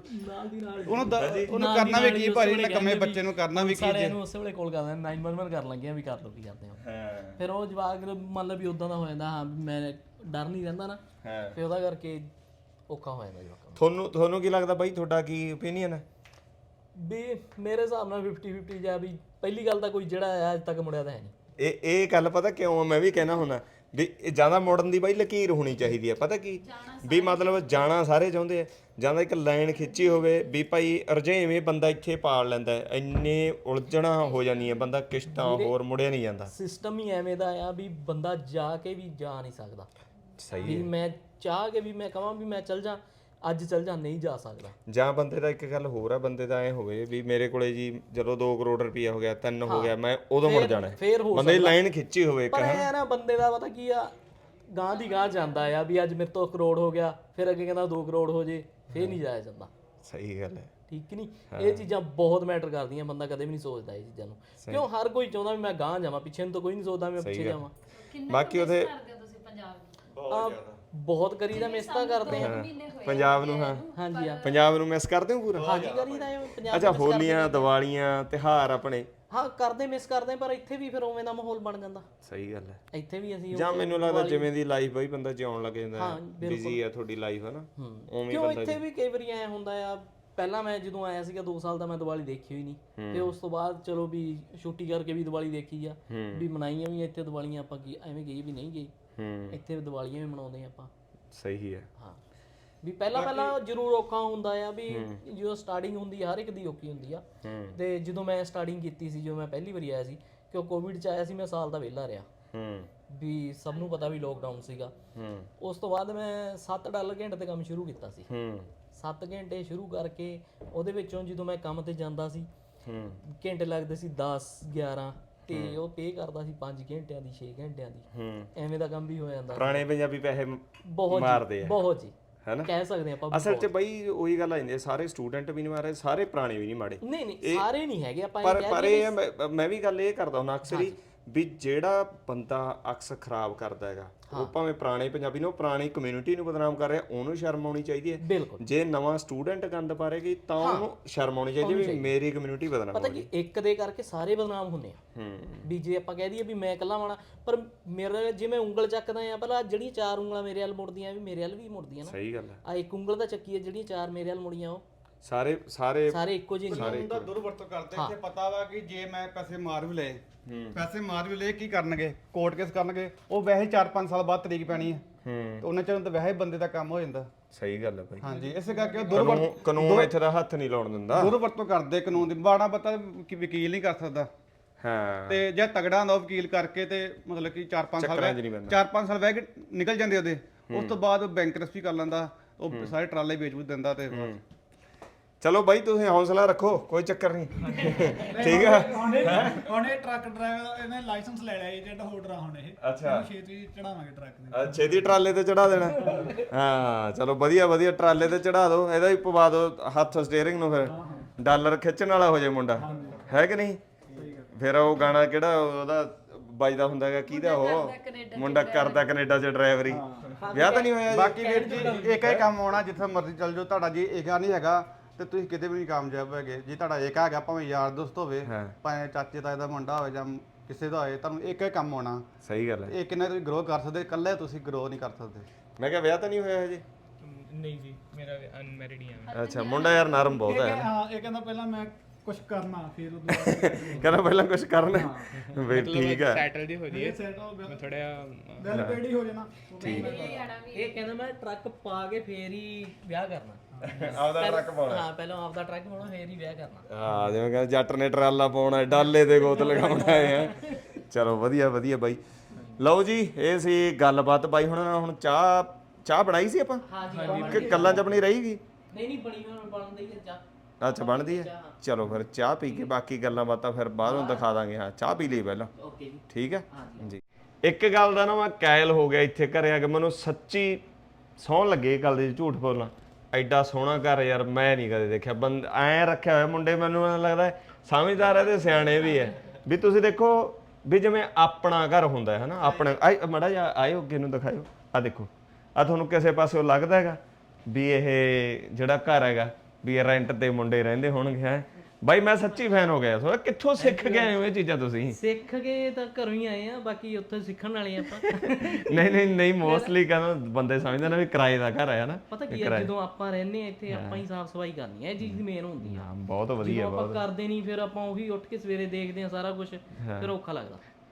D: ਉਹਨੂੰ ਕਰਨਾ ਵੀ ਕੀ ਭਾਜੀ, ਨਕਮੇ ਬੱਚੇ ਨੂੰ ਕਰਨਾ ਵੀ ਕੀ।
C: ਸਾਰਿਆਂ ਨੂੰ ਉਸੇ ਵੇਲੇ ਕਾਲ ਕਰਦੇ 911 ਕਰ ਲੱਗੇ ਆ ਵੀ ਕਰ ਲਓ ਕੀ ਕਰਦੇ ਹੋ। ਫਿਰ ਉਹ ਜਵਾਕ ਮਤਲਬ ਵੀ ਉਦਾਂ ਦਾ ਹੋ ਜਾਂਦਾ, ਹਾਂ ਮੈਂ ਡਰ ਨਹੀਂ ਰਹਿੰਦਾ ਨਾ, ਫਿਰ ਉਹਦਾ ਕਰਕੇ ਔਖਾ ਹੋ ਜਾਂਦਾ ਜਵਾਕਾਂ।
A: ਤੁਹਾਨੂੰ ਕੀ ਲੱਗਦਾ ਬਾਈ, ਤੁਹਾਡਾ ਕੀ ਓਪੀਨੀਅਨ ਹੈ?
C: ਵੀ ਮੇਰੇ ਹਿਸਾਬ ਨਾਲ 50-50 ਜਾਂ ਵੀ ਪਹਿਲੀ ਗੱਲ ਤਾਂ ਕੋਈ ਜਿਹੜਾ ਅੱਜ ਤੱਕ ਮੁੜਿਆ ਤਾਂ ਹੈ ਨਹੀਂ।
A: ਇਹ ਗੱਲ ਪਤਾ ਕਿਉਂ ਮੈਂ ਵੀ ਕਹਿਣਾ ਹੁੰਦਾ ਵੀ ਇਹ ਜ਼ਿਆਦਾ ਮੁੜਨ ਦੀ ਬਾਈ ਲਕੀਰ ਹੋਣੀ ਚਾਹੀਦੀ ਹੈ। ਪਤਾ ਕੀ ਵੀ ਮਤਲਬ ਜਾਣਾ ਸਾਰੇ ਚਾਹੁੰਦੇ ਆ, ਜਾਂ ਤਾਂ ਇੱਕ ਲਾਈਨ ਖਿੱਚੀ ਹੋਵੇ ਵੀ ਭਾਈ ਰੁਝੇਵੇਂ ਬੰਦਾ ਇੱਥੇ ਪਾਲ ਲੈਂਦਾ ਹੈ, ਇੰਨੇ ਉਲਝਣਾ ਹੋ ਜਾਂਦੀਆਂ ਬੰਦਾ ਕਿਸ਼ਤਾਂ ਹੋਰ ਮੁੜਿਆ ਨਹੀਂ ਜਾਂਦਾ।
C: ਸਿਸਟਮ ਹੀ ਐਵੇਂ ਦਾ ਆ ਵੀ ਬੰਦਾ ਜਾ ਕੇ ਵੀ ਜਾ ਨਹੀਂ ਸਕਦਾ।
A: ਸਹੀ
C: ਵੀ ਮੈਂ ਚਾਹ ਕੇ ਵੀ ਮੈਂ ਕਹਾਂ ਵੀ ਮੈਂ ਚੱਲ ਜਾ, ਅੱਜ ਚੱਲ ਜਾ, ਨਹੀਂ ਜਾ ਸਕਦਾ।
A: ਜਾਂ ਬੰਦੇ ਦਾ ਇੱਕ ਗੱਲ ਹੋਰ ਆ, ਬੰਦੇ ਦਾ ਐ ਹੋਵੇ ਵੀ ਮੇਰੇ ਕੋਲੇ ਜੀ ਜਦੋਂ 2 ਕਰੋੜ ਰੁਪਇਆ ਹੋ ਗਿਆ, 3 ਹੋ ਗਿਆ, ਮੈਂ ਉਦੋਂ ਮੁੜ ਜਾਣਾ ਹੈ।
C: ਫੇਰ ਹੋ
A: ਬੰਦੇ ਦੀ ਲਾਈਨ ਖਿੱਚੀ ਹੋਵੇ
C: ਪਰ ਇਹ ਨਾ ਬੰਦੇ ਦਾ ਪਤਾ ਕੀ ਆ, ਗਾਂ ਦੀ ਗਾਂ ਜਾਂਦਾ ਆ ਵੀ ਅੱਜ ਮੇਰੇ ਤੋਂ 1 ਕਰੋੜ ਹੋ ਗਿਆ, ਫਿਰ ਅੱਗੇ ਕਹਿੰਦਾ 2 ਕਰੋੜ ਹੋ ਜੇ, ਫੇਰ ਨਹੀਂ ਜਾਇਆ ਜਾਂਦਾ।
A: ਸਹੀ ਗੱਲ ਹੈ।
C: ਠੀਕ ਨਹੀਂ, ਇਹ ਚੀਜ਼ਾਂ ਬਹੁਤ ਮੈਟਰ ਕਰਦੀਆਂ। ਬੰਦਾ ਕਦੇ ਵੀ ਨਹੀਂ ਸੋਚਦਾ ਇਹ ਚੀਜ਼ਾਂ ਨੂੰ, ਕਿਉਂ ਹਰ ਕੋਈ ਚਾਹੁੰਦਾ ਵੀ ਮੈਂ ਗਾਂ ਜਾਵਾਂ, ਪਿੱਛੇ ਨੂੰ ਤਾਂ ਕੋਈ ਨਹੀਂ ਸੋਚਦਾ ਮੈਂ ਪਿੱਛੇ ਜਾਵਾਂ।
A: ਬਾਕੀ ਉਹਦੇ
F: ਕਰਦੇ ਹੋ ਤੁਸੀਂ ਪੰਜਾਬ ਨੂੰ?
C: ਬਹੁਤ ਕਰੀਦਾ, ਮਿਸ ਤਾਂ ਕਰਦੇ ਆ
A: ਪੰਜਾਬ ਨੂੰ। ਹਾਂ
C: ਹਾਂਜੀ ਆ
A: ਪੰਜਾਬ ਨੂੰ ਮਿਸ ਕਰਦੇ ਹੋ ਪੂਰਾ?
C: ਹਾਂਜੀ ਕਰੀਦਾ ਇਹ ਪੰਜਾਬ
A: ਅੱਛਾ, ਹੋਲੀਆਂ ਦੀਵਾਲੀਆਂ ਤਿਉਹਾਰ ਆਪਣੇ
C: ਹਾਂ ਕਰਦੇ, ਮਿਸ ਕਰਦੇ, ਪਰ ਇੱਥੇ ਵੀ ਫਿਰ ਉਵੇਂ ਦਾ ਮਾਹੌਲ ਬਣ ਜਾਂਦਾ।
A: ਸਹੀ ਗੱਲ ਹੈ।
C: ਇੱਥੇ ਵੀ ਅਸੀਂ
A: ਜਾਂ ਮੈਨੂੰ ਲੱਗਦਾ ਜਿਵੇਂ ਦੀ ਲਾਈਫ ਬਈ ਬੰਦਾ ਜਿਉਣ ਲੱਗ ਜਾਂਦਾ, ਬਿਜ਼ੀ ਆ ਤੁਹਾਡੀ ਲਾਈਫ ਹੈ ਨਾ, ਉਵੇਂ
C: ਕਿਉਂ ਇੱਥੇ ਵੀ ਕਈ ਵਾਰੀ ਐ ਹੁੰਦਾ ਆ। ਪਹਿਲਾਂ ਮੈਂ ਜਦੋਂ ਆਇਆ ਸੀਗਾ 2 ਸਾਲ ਦਾ, ਮੈਂ ਦੀਵਾਲੀ ਦੇਖੀ ਹੋਈ ਨਹੀਂ, ਤੇ ਉਸ ਤੋਂ ਬਾਅਦ ਚਲੋ ਵੀ ਛੁੱਟੀ ਕਰਕੇ ਵੀ ਦੀਵਾਲੀ ਦੇਖੀ ਆ, ਵੀ ਮਨਾਈਆਂ ਵੀ ਇੱਥੇ ਦੀਵਾਲੀਆਂ, ਆਪਾਂ ਕੀ ਐਵੇਂ ਗਏ ਵੀ ਨਹੀਂ ਗਏ, ਇੱਥੇ ਦੀਵਾਲੀਆਂ ਵੀ ਮਨਾਉਂਦੇ ਆਪਾਂ।
A: ਸਹੀ ਹੈ।
C: ਹਾਂ ਵੀ ਪਹਿਲਾਂ ਜ਼ਰੂਰ ਔਖਾ ਹੁੰਦਾ ਆ, ਵੀ ਜਦੋਂ ਸਟਾਰਟਿੰਗ ਹੁੰਦੀ ਆ ਹਰ ਇੱਕ ਦੀ ਔਖੀ ਹੁੰਦੀ ਆ। ਤੇ ਜਦੋਂ ਮੈਂ ਸਟਾਰਟਿੰਗ ਕੀਤੀ ਸੀ, ਜਦੋਂ ਮੈਂ ਪਹਿਲੀ ਵਾਰੀ ਆਇਆ ਸੀ, ਕਿਉਂ ਕੋਵਿਡ ਚ ਆਇਆ ਸੀ, ਮੈਂ ਸਾਲ ਦਾ ਵਿਹਲਾ ਰਿਹਾ, ਵੀ ਸਭ ਨੂੰ ਪਤਾ ਵੀ ਲੋਕਡਾਊਨ ਸੀਗਾ। ਉਸ ਤੋਂ ਬਾਅਦ ਮੈਂ $7 ਘੰਟੇ ਤੇ ਕੰਮ ਸ਼ੁਰੂ ਕੀਤਾ ਸੀ। 7 ਘੰਟੇ ਸ਼ੁਰੂ ਕਰਕੇ ਉਹਦੇ ਵਿੱਚੋਂ ਜਦੋਂ ਮੈਂ ਕੰਮ ਤੇ ਜਾਂਦਾ ਸੀ, ਘੰਟੇ ਲੱਗਦੇ ਸੀ 10 11, ਤੇ ਉਹ ਪੇ ਕਰਦਾ ਸੀ 5 ਘੰਟਿਆਂ ਦੀ, 6 ਘੰਟਿਆਂ ਦੀ, ਐਵੇਂ ਦਾ ਕੰਮ ਵੀ ਹੋ ਜਾਂਦਾ।
A: ਪੁਰਾਣੇ ਪੰਜਾਬੀ ਪੈਸੇ
C: ਬਹੁਤ
A: ਮਾਰਦੇ ਆ,
C: ਬਹੁਤ ਜੀ,
A: ਹੈਨਾ,
C: ਕਹਿ ਸਕਦੇ ਆਪਾਂ।
A: ਅਸਲ 'ਚ ਬਈ ਉਹੀ ਗੱਲ ਆ ਜਾਂਦੀ ਹੈ, ਸਾਰੇ ਸਟੂਡੈਂਟ ਵੀ ਨਹੀਂ ਮਾਰੇ, ਸਾਰੇ ਪੁਰਾਣੇ ਵੀ ਨਹੀਂ ਮਾੜੇ।
C: ਨਹੀਂ ਸਾਰੇ ਨਹੀਂ ਹੈਗੇ ਆਪਾਂ
A: ਪਰ ਇਹ ਮੈਂ ਵੀ ਗੱਲ ਇਹ ਕਰਦਾ ਹੁੰਦਾ ਅਕਸਰ ਹੀ, ਵੀ ਜਿਹੜਾ ਬੰਦਾ ਅਕਸ ਖਰਾਬ ਕਰਦਾ ਹੈਗਾ, ਉਹ ਭਾਵੇਂ ਪੁਰਾਣੇ ਪੰਜਾਬੀ ਨੂੰ, ਪੁਰਾਣੀ ਕਮਿਊਨਿਟੀ ਨੂੰ ਬਦਨਾਮ ਕਰ ਰਿਹਾ, ਉਹਨੂੰ ਸ਼ਰਮ ਆਉਣੀ ਚਾਹੀਦੀ ਹੈ।
C: ਬਿਲਕੁਲ।
A: ਜੇ ਨਵਾਂ ਸਟੂਡੈਂਟ ਗੰਦ ਪਾ ਰਹੇਗੀ ਤਾਂ ਉਹਨੂੰ ਸ਼ਰਮ ਆਉਣੀ ਚਾਹੀਦੀ ਵੀ ਮੇਰੀ ਕਮਿਊਨਿਟੀ ਬਦਨਾਮ
C: ਪਤਾ ਕੀ, ਇੱਕ ਦੇ ਕਰਕੇ ਸਾਰੇ ਬਦਨਾਮ ਹੁੰਦੇ ਆ। ਵੀ ਜੇ ਆਪਾਂ ਕਹਿ ਦਈਏ ਵੀ ਮੈਂ ਇਕੱਲਾ ਵਾਣਾ, ਪਰ ਮੇਰੇ ਜਿਵੇਂ ਉਂਗਲ ਚੱਕਦਾ ਆ, ਪਹਿਲਾਂ ਜਿਹੜੀਆਂ 4 ਉਂਗਲਾਂ ਮੇਰੇ ਵੱਲ ਮੁੜਦੀਆਂ ਵੀ ਮੇਰੇ ਵੱਲ ਵੀ ਮੁੜਦੀਆਂ ਨਾ।
A: ਸਹੀ ਗੱਲ ਹੈ।
C: ਆ ਇੱਕ ਉਂਗਲ ਦਾ ਚੱਕੀ ਹੈ, ਜਿਹੜੀਆਂ 4 ਮੇਰੇ ਵੱਲ ਮੁੜੀਆਂ, ਉਹ
A: ਸਾਰੇ
C: ਇੱਕੋ ਜਿਹੇ ਨਹੀਂ।
D: ਕਾਨੂੰਨ ਦਾ ਦੁਰਵਰਤੋਂ ਕਰਦੇ। ਇੱਥੇ ਪਤਾ ਵਾ ਕਿ ਜੇ ਮੈਂ ਪੈਸੇ ਮਾਰ ਵੀ ਲਏ, ਕੀ ਕਰਨਗੇ, ਕੋਰਟ ਕੇਸ ਕਰਨਗੇ, ਉਹ ਵੈਸੇ 4-5 ਸਾਲ ਬਾਅਦ ਤਰੀਕ ਪੈਣੀ ਹੈ, ਤੇ ਉਹਨਾਂ ਚਿਰ ਤਾਂ ਵੈਸੇ ਬੰਦੇ ਦਾ ਕੰਮ ਹੋ ਜਾਂਦਾ।
A: ਸਹੀ ਗੱਲ ਹੈ ਭਾਈ।
D: ਹਾਂਜੀ, ਇਸੇ ਕਰਕੇ ਉਹ
A: ਕਾਨੂੰਨ ਇੱਥੇ ਦਾ ਹੱਥ ਨਹੀਂ ਲਾਉਣ ਦਿੰਦਾ,
D: ਦੁਰਵਰਤੋਂ ਕਰਦੇ ਕਾਨੂੰਨ ਦੀ। ਬਾੜਾ ਪਤਾ ਕਿ ਵਕੀਲ ਨਹੀਂ ਕਰ ਸਕਦਾ,
A: ਹਾਂ,
D: ਤੇ ਜੇ ਤਗੜਾ ਹੁੰਦਾ ਵਕੀਲ ਕਰਕੇ, ਤੇ ਮਤਲਬ ਕਿ 4-5 ਸਾਲ ਵਹਿ ਕੇ ਨਿਕਲ ਜਾਂਦੇ ਉਹਦੇ। ਉਸ ਤੋਂ ਬਾਅਦ ਬੈਂਕਰਪਸੀ ਕਰ ਲੈਂਦਾ, ਉਹ ਸਾਰੇ ਟਰਾਲੇ ਵੇਚ ਵੂਚ ਦਿੰਦਾ। ਤੇ
A: ਚਲੋ ਬਾਈ ਤੁਸੀਂ ਹੌਸਲਾ ਰੱਖੋ, ਕੋਈ ਚੱਕਰ ਨਹੀਂ, ਠੀਕ ਆ।
B: ਉਹਨੇ ਟਰੱਕ ਡਰਾਈਵਰ ਇਹਨੇ ਲਾਇਸੈਂਸ ਲੈ ਲਿਆ ਏਜੰਟ ਹੋਲਡਰ ਆ ਹੁਣ ਇਹ।
A: ਅੱਛਾ,
B: ਛੇਤੀ ਚੜਾਵਾਂਗੇ ਟਰੱਕ ਦੇ,
A: ਛੇਤੀ ਟਰਾਲੇ ਤੇ ਚੜਾ ਦੇਣਾ। ਹਾਂ ਚਲੋ ਵਧੀਆ ਟਰਾਲੇ ਤੇ ਚੜਾ ਦਿਓ, ਇਹਦਾ ਹੀ ਪਵਾ ਦਿਓ ਹੱਥ ਸਟੀਅਰਿੰਗ ਨੂੰ, ਫਿਰ ਡਾਲਰ ਖਿੱਚਣ ਵਾਲਾ ਹੋ ਜਾਏ ਮੁੰਡਾ, ਹੈ ਕਿ ਨਹੀਂ? ਫਿਰ ਉਹ ਗਾਣਾ ਕਿਹੜਾ ਉਹਦਾ ਵੱਜਦਾ ਹੁੰਦਾ ਹੈਗਾ, ਕਿਹਦਾ ਉਹ ਮੁੰਡਾ ਕਰਦਾ ਕੈਨੇਡਾ 'ਚ ਡਰਾਈਵਰੀ, ਵਿਆਹ ਤਾਂ ਨਹੀਂ ਹੋਇਆ?
D: ਬਾਕੀ ਵੀਰ ਜੀ ਇੱਕ ਹੀ ਕੰਮ ਆਉਣਾ, ਜਿੱਥੇ ਮਰਜ਼ੀ ਚੱਲ ਜਾਓ, ਤੁਹਾਡਾ ਜੀ ਏਕਾ ਨਹੀਂ ਹੈਗਾ ਤੇ ਤੁਸੀਂ ਕਿਤੇ ਵੀ ਨਹੀਂ ਕਾਮਯਾਬ ਹੈਗੇ। ਜੇ ਤੁਹਾਡਾ ਏਕਾ ਹੈਗਾ, ਭਾਵੇਂ ਯਾਰ ਦੋਸਤ ਹੋਵੇ, ਭਾਵੇਂ ਚਾਚੇ ਤਾਏ ਦਾ ਮੁੰਡਾ ਹੋਵੇ, ਜਾਂ ਕਿਸੇ ਦਾ ਹੋਵੇ, ਤੁਹਾਨੂੰ ਇੱਕ ਹੀ ਕੰਮ ਆਉਣਾ।
A: ਸਹੀ ਗੱਲ ਹੈ।
D: ਇਹ ਕਿੰਨਾ ਤੁਸੀਂ ਗਰੋ ਕਰ ਸਕਦੇ, ਇਕੱਲੇ ਤੁਸੀਂ ਗਰੋ ਨਹੀਂ ਕਰ ਸਕਦੇ।
A: ਮੈਂ ਕਿਹਾ ਵਿਆਹ ਤਾਂ ਨਹੀਂ ਹੋਇਆ ਹਜੇ?
E: ਨਹੀਂ ਜੀ, ਮੇਰਾ ਅਨਮੈਰਿਡ ਹੀ ਆ।
A: ਅੱਛਾ, ਮੁੰਡਾ ਯਾਰ ਨਰਮ ਬਹੁਤ ਹੈ।
B: ਹਾਂ, ਇਹ ਕਹਿੰਦਾ ਪਹਿਲਾਂ ਮੈਂ ਕੁਝ ਕਰਨਾ, ਫਿਰ ਉਦੋਂ ਬਾਅਦ
A: ਕਹਿੰਦਾ ਪਹਿਲਾਂ ਕੁਝ ਕਰਨਾ, ਵੀ ਠੀਕ ਹੈ,
E: ਸੈਟਲ ਦੀ ਹੋ ਜੀ,
B: ਸੈਟਲ
E: ਮੈਂ ਥੋੜਾ ਜਿਹਾ
B: ਵੈਲ ਪੇਡ ਹੀ ਹੋ ਜਾਣਾ।
C: ਇਹ ਕਹਿੰਦਾ ਮੈਂ ਟਰੱਕ ਪਾ ਕੇ ਫੇਰ ਹੀ ਵਿਆਹ ਕਰਨਾ।
A: ਆਪਦਾ ਟਰੱਕ ਪਾਉਣਾ।
C: ਹਾਂ, ਪਹਿਲਾਂ ਆਪਦਾ ਟਰੱਕ ਪਾਉਣਾ, ਫੇਰ ਹੀ ਵਿਆਹ ਕਰਨਾ।
A: ਹਾਂ, ਜਿਵੇਂ ਕਹਿੰਦਾ ਜੱਟ ਨੇ ਟਰਾਲਾ ਪਾਉਣਾ, ਡਾਲੇ ਤੇ ਗੋਤ ਲਗਾਉਣਾ ਹੈ। ਚਲੋ ਵਧੀਆ ਬਾਈ। ਲਓ ਜੀ, ਇਹ ਸੀ ਗੱਲਬਾਤ ਬਾਈ ਹੁਣ ਚਾਹ ਬਣਾਈ ਸੀ ਆਪਾਂ ਕਿ ਕੱਲਾਂ ਚ ਆਪਣੀ ਰਹੇਗੀ?
C: ਨਹੀਂ ਬਣੀ ਹੋਣ ਬਣਦੀ ਹੈ ਚਾਹ।
A: ਅੱਛਾ, ਬਣਦੀ ਹੈ। ਚਲੋ ਫਿਰ ਚਾਹ ਪੀ ਕੇ ਬਾਕੀ ਗੱਲਾਂ ਬਾਤਾਂ ਫਿਰ ਬਾਅਦੋਂ ਦਿਖਾ ਦਾਂਗੇ। ਹਾਂ, ਚਾਹ ਪੀ ਲਈ ਪਹਿਲਾਂ।
C: ਓਕੇ ਜੀ,
A: ਠੀਕ ਹੈ ਜੀ। ਇੱਕ ਗੱਲ ਦਾ ਨਾ ਮੈਂ ਕਾਇਲ ਹੋ ਗਿਆ ਇੱਥੇ ਘਰੇ ਆ ਕੇ, ਮੈਨੂੰ ਸੱਚੀ ਸੌਣ ਲੱਗੇ ਇਹ ਗੱਲ ਦੀ, ਝੂਠ ਬੋਲਣਾ। ਐਡਾ ਸੋਹਣਾ ਘਰ ਯਾਰ ਮੈਂ ਨਹੀਂ ਕਦੇ ਦੇਖਿਆ। ਐਂ ਰੱਖਿਆ ਹੋਇਆ ਮੁੰਡੇ, ਮੈਨੂੰ ਲੱਗਦਾ ਸਮਝਦਾਰ ਹੈ ਤੇ ਸਿਆਣੇ ਵੀ ਹੈ। ਵੀ ਤੁਸੀਂ ਦੇਖੋ ਵੀ ਜਿਵੇਂ ਆਪਣਾ ਘਰ ਹੁੰਦਾ ਹੈ ਨਾ, ਆਪਣੇ ਮਾੜਾ ਜਿਹਾ ਆਇਓ ਅੱਗੇ ਨੂੰ ਦਿਖਾਇਓ, ਆ ਦੇਖੋ, ਆ ਤੁਹਾਨੂੰ ਕਿਸੇ ਪਾਸਿਓਂ ਲੱਗਦਾ ਹੈਗਾ ਵੀ ਇਹ ਜਿਹੜਾ ਘਰ ਹੈਗਾ ਵੀ ਇਹ ਰੈਂਟ ਤੇ ਮੁੰਡੇ ਰਹਿੰਦੇ ਹੋਣਗੇ? ਹੈ ਬਾਈ, ਮੈਂ ਸੱਚੀ ਫੈਨ ਹੋ ਗਿਆ। ਥੋੜਾ ਕਿੱਥੋਂ ਸਿੱਖ ਕੇ ਆਏ ਹੋ ਇਹ ਚੀਜ਼ਾਂ ਤੁਸੀਂ?
C: ਸਿੱਖ ਕੇ ਤਾਂ ਘਰੋਂ ਹੀ ਆਏ ਆ, ਬਾਕੀ ਉੱਥੇ ਸਿੱਖਣ ਵਾਲੇ ਆਪਾਂ।
A: ਨਹੀਂ ਮੋਸਟਲੀ ਕਹਿੰਦਾ ਬੰਦੇ ਸਮਝਦੇ ਨੇ ਵੀ ਕਿਰਾਏ ਦਾ ਘਰ ਹੈ ਨਾ।
C: ਪਤਾ ਕੀ ਹੈ, ਜਦੋਂ ਆਪਾਂ ਰਹਿੰਦੇ ਆ ਇੱਥੇ, ਆਪਾਂ ਹੀ ਸਾਫ਼ ਸਫਾਈ ਕਰਨੀ ਹੈ, ਇਹ ਚੀਜ਼ ਦੀ ਮੇਨ ਹੁੰਦੀ ਆ।
A: ਬਹੁਤ ਵਧੀਆ,
C: ਆਪਾਂ ਕਰਦੇ ਨਹੀਂ, ਫਿਰ ਆਪਾਂ ਉਹੀ ਉੱਠ ਕੇ ਸਵੇਰੇ ਦੇਖਦੇ ਆ ਸਾਰਾ ਕੁਝ, ਫਿਰ ਔਖਾ ਲੱਗਦਾ।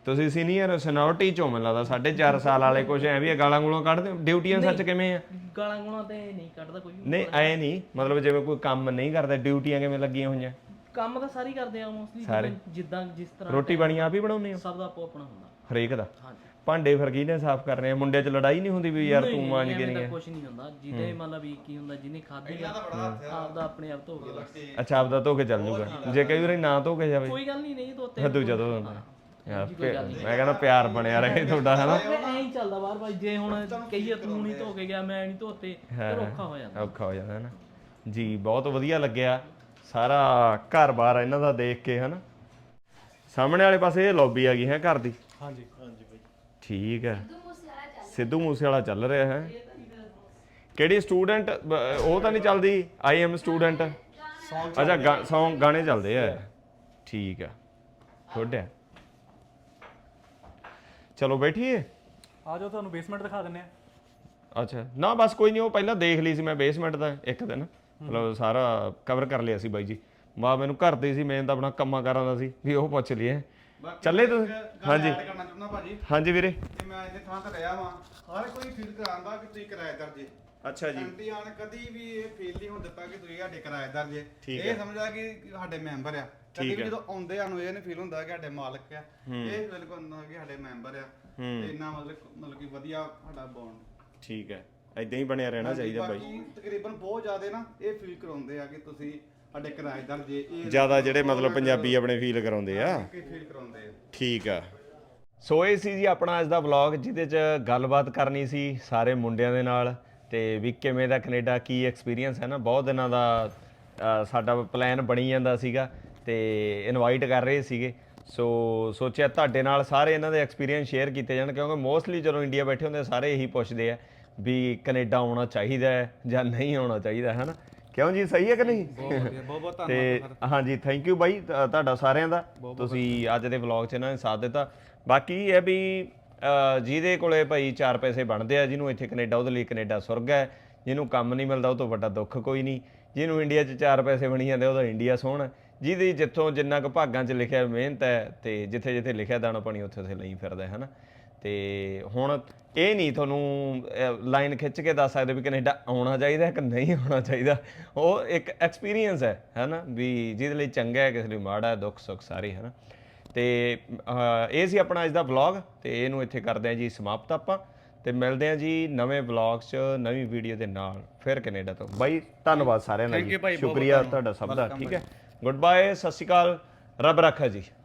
A: ਤੁਸੀਂ ਸੀਨੀਅਰ ਸਿਨਿਓਰਿਟੀ ਚੋਂ ਮੈਨੂੰ ਲੱਗਦਾ 4.5 ਸਾਲ ਵਾਲੇ ਕੁਝ ਐ ਵੀ ਗਾਲਾਂ ਗੂਲਾਂ ਕੱਢਦੇ ਹੋ? ਡਿਊਟੀਆਂ ਸੱਚ ਕਿਵੇਂ ਆ?
C: ਗਾਲਾਂ ਗੂਲਾਂ ਤੇ ਨਹੀਂ ਕੱਢਦਾ ਕੋਈ ਵੀ।
A: ਨਹੀਂ ਐ ਨਹੀਂ ਮਤਲਬ ਜਿਵੇਂ ਕੋਈ ਕੰਮ ਨਹੀਂ ਕਰਦਾ ਡਿਊਟੀਆਂ ਕਿਵੇਂ ਲੱਗੀਆਂ ਹੋਈਆਂ?
C: ਕੰਮ ਤਾਂ ਸਾਰੇ ਕਰਦੇ ਆ ਮੋਸਟਲੀ, ਜਿੱਦਾਂ ਜਿਸ ਤਰ੍ਹਾਂ
A: ਰੋਟੀ ਪਾਣੀ ਆਪ ਹੀ ਬਣਾਉਂਦੇ ਹੋ?
C: ਸਭ ਦਾ ਆਪੋ ਆਪਣਾ ਹੁੰਦਾ
A: ਹਰੇਕ ਦਾ?
C: ਹਾਂਜੀ।
A: ਭਾਂਡੇ ਫਿਰ ਕਿਹਨੇ ਸਾਫ਼ ਕਰਨੇ ਆ? ਮੁੰਡੇ 'ਚ ਲੜਾਈ ਨਹੀਂ ਹੁੰਦੀ ਵੀ ਯਾਰ ਤੂੰ ਮਾਂਜ ਕੇ ਨਹੀਂ ਹੈ?
C: ਕੁਝ ਨਹੀਂ ਹੁੰਦਾ, ਜਿਹਦੇ ਮਤਲਬ ਵੀ ਕੀ ਹੁੰਦਾ, ਜਿਹਨੇ ਖਾਧੀ ਆ ਆਪਦਾ ਆਪਣੇ ਆਪ ਧੋ ਕੇ ਬਸ।
A: ਅੱਛਾ ਆਪਦਾ ਧੋ ਕੇ ਚੱਲ ਜੂਗਾ, ਜੇ ਕਈ ਵਾਰੀ ਨਾ ਧੋ ਕੇ ਜਾਵੇ
C: ਕੋਈ ਗੱਲ ਨਹੀਂ, ਨਹੀਂ ਧੋਤੇ
A: ਦੂਜਾ ਧੋ ਦਿੰਦਾ। ਯਾਰ ਮੈਂ ਕਹਿੰਦਾ ਪਿਆਰ ਬਣਿਆ ਰਹੇ ਤੁਹਾਡਾ ਹਨਾ।
C: ਐਂ ਹੀ ਚੱਲਦਾ ਬਾਹਰ ਭਾਈ, ਜੇ ਹੁਣ ਕਹੀਏ ਤੂੰ ਨਹੀਂ ਧੋ ਕੇ ਗਿਆ ਮੈਂ ਨਹੀਂ ਧੋਤੇ ਫਿਰ ਔਖਾ ਹੋ ਜਾਂਦਾ।
A: ਔਖਾ ਹੋ ਜਾਂਦਾ ਹੈ ਨਾ ਜੀ। ਬਹੁਤ ਵਧੀਆ ਲੱਗਿਆ ਸਾਰਾ ਘਰ-ਬਾਰ ਇਹਨਾਂ ਦਾ ਦੇਖ ਕੇ ਹਨਾ। ਸਾਹਮਣੇ ਵਾਲੇ ਪਾਸੇ ਇਹ ਲੌਬੀ ਆ ਗਈ ਹੈ ਘਰ ਦੀ?
B: ਹਾਂਜੀ ਹਾਂਜੀ ਬਾਈ।
A: ਠੀਕ ਹੈ, ਸਿੱਧੂ ਮੂਸੇਵਾਲਾ ਚੱਲ ਰਿਹਾ ਹੈ। ਕਿਹੜੀ ਸਟੂਡੈਂਟ? ਉਹ ਤਾਂ ਨਹੀਂ ਚੱਲਦੀ ਆਈ ਐਮ ਸਟੂਡੈਂਟ? ਅੱਛਾ ਸੌਂਗ ਗਾਣੇ ਚੱਲਦੇ ਆ। ਠੀਕ ਆ, ਗੁੱਡ ਹੈ। ਚਲੋ ਬੈਠੀਏ,
G: ਆ ਜਾਓ ਤੁਹਾਨੂੰ ਬੇਸਮੈਂਟ ਦਿਖਾ ਦਿੰਨੇ ਆ।
A: ਅੱਛਾ ਨਾ ਬਸ ਕੋਈ ਨਹੀਂ, ਉਹ ਪਹਿਲਾਂ ਦੇਖ ਲਈ ਸੀ ਮੈਂ ਬੇਸਮੈਂਟ ਦਾ ਇੱਕ ਦਿਨ, ਮਤਲਬ ਸਾਰਾ ਕਵਰ ਕਰ ਲਿਆ ਸੀ ਬਾਈ ਜੀ। ਮੈਨੂੰ ਘਰ ਦੇ ਸੀ, ਮੈਂ ਤਾਂ ਆਪਣਾ ਕੰਮਾਂ ਕਾਰਾਂ ਦਾ ਸੀ ਵੀ ਉਹ ਪੁੱਛ ਲਈਏ। ਚੱਲੇ ਤੁਸੀਂ? ਹਾਂਜੀ
D: ਕਰਨਾ ਚਾਹੁੰਦਾ ਭਾਜੀ
A: ਹਾਂਜੀ ਵੀਰੇ।
D: ਕਿ ਮੈਂ ਇਹਦੇ ਥਾਂ ਤੇ ਰਿਹਾ ਵਾਂ, ਹਰ ਕੋਈ ਫੀਲ ਕਰਾਉਂਦਾ ਕਿ ਤੁਸੀਂ ਕਿਰਾਏਦਾਰ ਜੇ।
A: ਅੱਛਾ ਜੀ।
D: ਐਂਟੀ ਆਣ ਕਦੀ ਵੀ ਇਹ ਫੀਲ ਨਹੀਂ ਹੋਣ ਦਿੱਤਾ ਕਿ ਤੁਸੀਂ ਸਾਡੇ ਕਿਰਾਏਦਾਰ ਜੇ। ਇਹ ਸਮਝਦਾ ਕਿ ਸਾਡੇ ਮੈਂਬਰ ਆ। ਕਦੀ ਵੀ ਜਦੋਂ ਆਉਂਦੇ ਸਾਨੂੰ ਇਹ ਨਹੀਂ ਫੀਲ ਹੁੰਦਾ ਕਿ ਸਾਡੇ ਮਾਲਕ ਆ, ਇਹ ਬਿਲਕੁਲ ਹੁੰਦਾ ਕਿ ਸਾਡੇ ਮੈਂਬਰ ਆ। ਤੇ ਇੰਨਾ ਮਤਲਬ ਕਿ ਵਧੀਆ ਸਾਡਾ ਬੌਂਡ।
A: ਠੀਕ ਹੈ, ਇਦਾਂ ਹੀ ਬਣਿਆ ਰਹਿਣਾ ਚਾਹੀਦਾ ਬਾਈ।
D: ਬਾਕੀ ਤਕਰੀਬਨ ਬਹੁਤ ਜ਼ਿਆਦਾ ਨਾ ਇਹ ਫੀਲ ਕਰਾਉਂਦੇ ਆ ਕਿ ਤੁਸੀਂ ਸਾਡੇ ਕਿਰਾਏਦਾਰ ਜੇ। ਇਹ
A: ਜ਼ਿਆਦਾ ਜਿਹੜੇ ਮਤਲਬ ਪੰਜਾਬੀ ਆਪਣੇ ਫੀਲ ਕਰਾਉਂਦੇ ਆ।
D: ਫੀਲ ਕਰਾਉਂਦੇ ਆ।
A: ਠੀਕ ਆ। ਸੋ ਇਹ ਸੀ ਜੀ ਆਪਣਾ ਅੱਜ ਦਾ ਵਲੌਗ, ਜਿਹਦੇ 'ਚ ਗੱਲਬਾਤ ਕਰਨੀ ਸੀ ਸਾਰੇ ਮੁੰਡਿਆਂ ਦੇ ਨਾਲ, ਤੇ ਵੀ ਕਿਵੇਂ ਦਾ ਕੈਨੇਡਾ, ਕੀ ਐਕਸਪੀਰੀਅੰਸ ਹੈ ਨਾ। ਬਹੁਤ ਦਿਨਾਂ ਦਾ ਸਾਡਾ ਪਲਾਨ ਬਣੀ ਜਾਂਦਾ ਸੀਗਾ ਤੇ ਇਨਵਾਈਟ ਕਰ ਰਹੇ ਸੀਗੇ। ਸੋ ਸੋਚਿਆ ਤੁਹਾਡੇ ਨਾਲ ਸਾਰੇ ਇਹਨਾਂ ਦੇ ਐਕਸਪੀਰੀਅੰਸ ਸ਼ੇਅਰ ਕੀਤੇ ਜਾਣ, ਕਿਉਂਕਿ ਮੋਸਟਲੀ ਜਦੋਂ ਇੰਡੀਆ ਬੈਠੇ ਹੁੰਦੇ ਸਾਰੇ ਇਹੀ ਪੁੱਛਦੇ ਆ ਵੀ ਕੈਨੇਡਾ ਆਉਣਾ ਚਾਹੀਦਾ ਹੈ ਜਾਂ ਨਹੀਂ ਆਉਣਾ ਚਾਹੀਦਾ, ਹੈ ਨਾ? ਕਿਉਂ ਜੀ, ਸਹੀ ਹੈ ਕਿ ਨਹੀਂ?
D: ਬਹੁਤ
A: ਤੇ ਹਾਂਜੀ, ਥੈਂਕ ਯੂ ਬਾਈ ਤੁਹਾਡਾ ਸਾਰਿਆਂ ਦਾ, ਤੁਸੀਂ ਅੱਜ ਦੇ ਵਲੌਗ 'ਚ ਇਹਨਾਂ ਨੇ ਸਾਥ ਦਿੱਤਾ। ਬਾਕੀ ਇਹ ਹੈ ਵੀ ਜਿਹਦੇ ਕੋਲੇ ਭਾਈ 4 ਪੈਸੇ ਬਣਦੇ ਆ, ਜਿਹਨੂੰ ਇੱਥੇ ਕੈਨੇਡਾ, ਉਹਦੇ ਲਈ ਕੈਨੇਡਾ ਸੁਰਗ ਹੈ। ਜਿਹਨੂੰ ਕੰਮ ਨਹੀਂ ਮਿਲਦਾ ਉਹ ਤੋਂ ਵੱਡਾ ਦੁੱਖ ਕੋਈ ਨਹੀਂ। ਜਿਹਨੂੰ ਇੰਡੀਆ 'ਚ 4 ਪੈਸੇ ਬਣੀ ਜਾਂਦੇ ਉਹਦਾ ਇੰਡੀਆ ਸੋਹਣਾ। ਜਿਹਦੀ ਜਿੱਥੋਂ ਜਿੰਨਾ ਕੁ ਭਾਗਾਂ 'ਚ ਲਿਖਿਆ ਮਿਹਨਤ ਹੈ, ਤੇ ਜਿੱਥੇ ਜਿੱਥੇ ਲਿਖਿਆ ਦਾਣਾ ਪਾਣੀ ਉੱਥੇ ਉੱਥੇ ਲਈ ਫਿਰਦਾ ਹੈ ਨਾ। ਤੇ ਹੁਣ ਇਹ ਨਹੀਂ ਤੁਹਾਨੂੰ ਲਾਈਨ ਖਿੱਚ ਕੇ ਦੱਸ ਸਕਦੇ ਵੀ ਕੈਨੇਡਾ ਆਉਣਾ ਚਾਹੀਦਾ ਕਿ ਨਹੀਂ ਆਉਣਾ ਚਾਹੀਦਾ। ਉਹ ਇੱਕ ਐਕਸਪੀਰੀਅੰਸ ਹੈ ਨਾ, ਵੀ ਜਿਹਦੇ ਲਈ ਚੰਗਾ ਹੈ, ਕਿਸੇ ਲਈ ਮਾੜਾ ਹੈ, ਦੁੱਖ ਸੁੱਖ ਸਾਰੇ, ਹੈ ਨਾ। ਤੇ ਇਹ ਸੀ ਆਪਣਾ ਅੱਜ ਦਾ ਵਲੌਗ, ਤੇ ਇਹਨੂੰ ਇੱਥੇ ਕਰਦੇ ਹਾਂ ਜੀ ਸਮਾਪਤ ਆਪਾਂ, ਤੇ ਮਿਲਦੇ ਹਾਂ ਜੀ ਨਵੇਂ ਵਲੌਗ 'ਚ ਨਵੀਂ ਵੀਡੀਓ ਦੇ ਨਾਲ ਫਿਰ ਕੈਨੇਡਾ ਤੋਂ। ਬਾਈ ਧੰਨਵਾਦ ਸਾਰਿਆਂ ਦਾ ਜੀ, ਸ਼ੁਕਰੀਆ ਤੁਹਾਡਾ ਸਭ ਦਾ। ਠੀਕ ਹੈ, ਗੁੱਡ ਬਾਏ, ਸਤਿ ਸ਼੍ਰੀ ਅਕਾਲ, ਰੱਬ ਰਾਖਾ ਜੀ।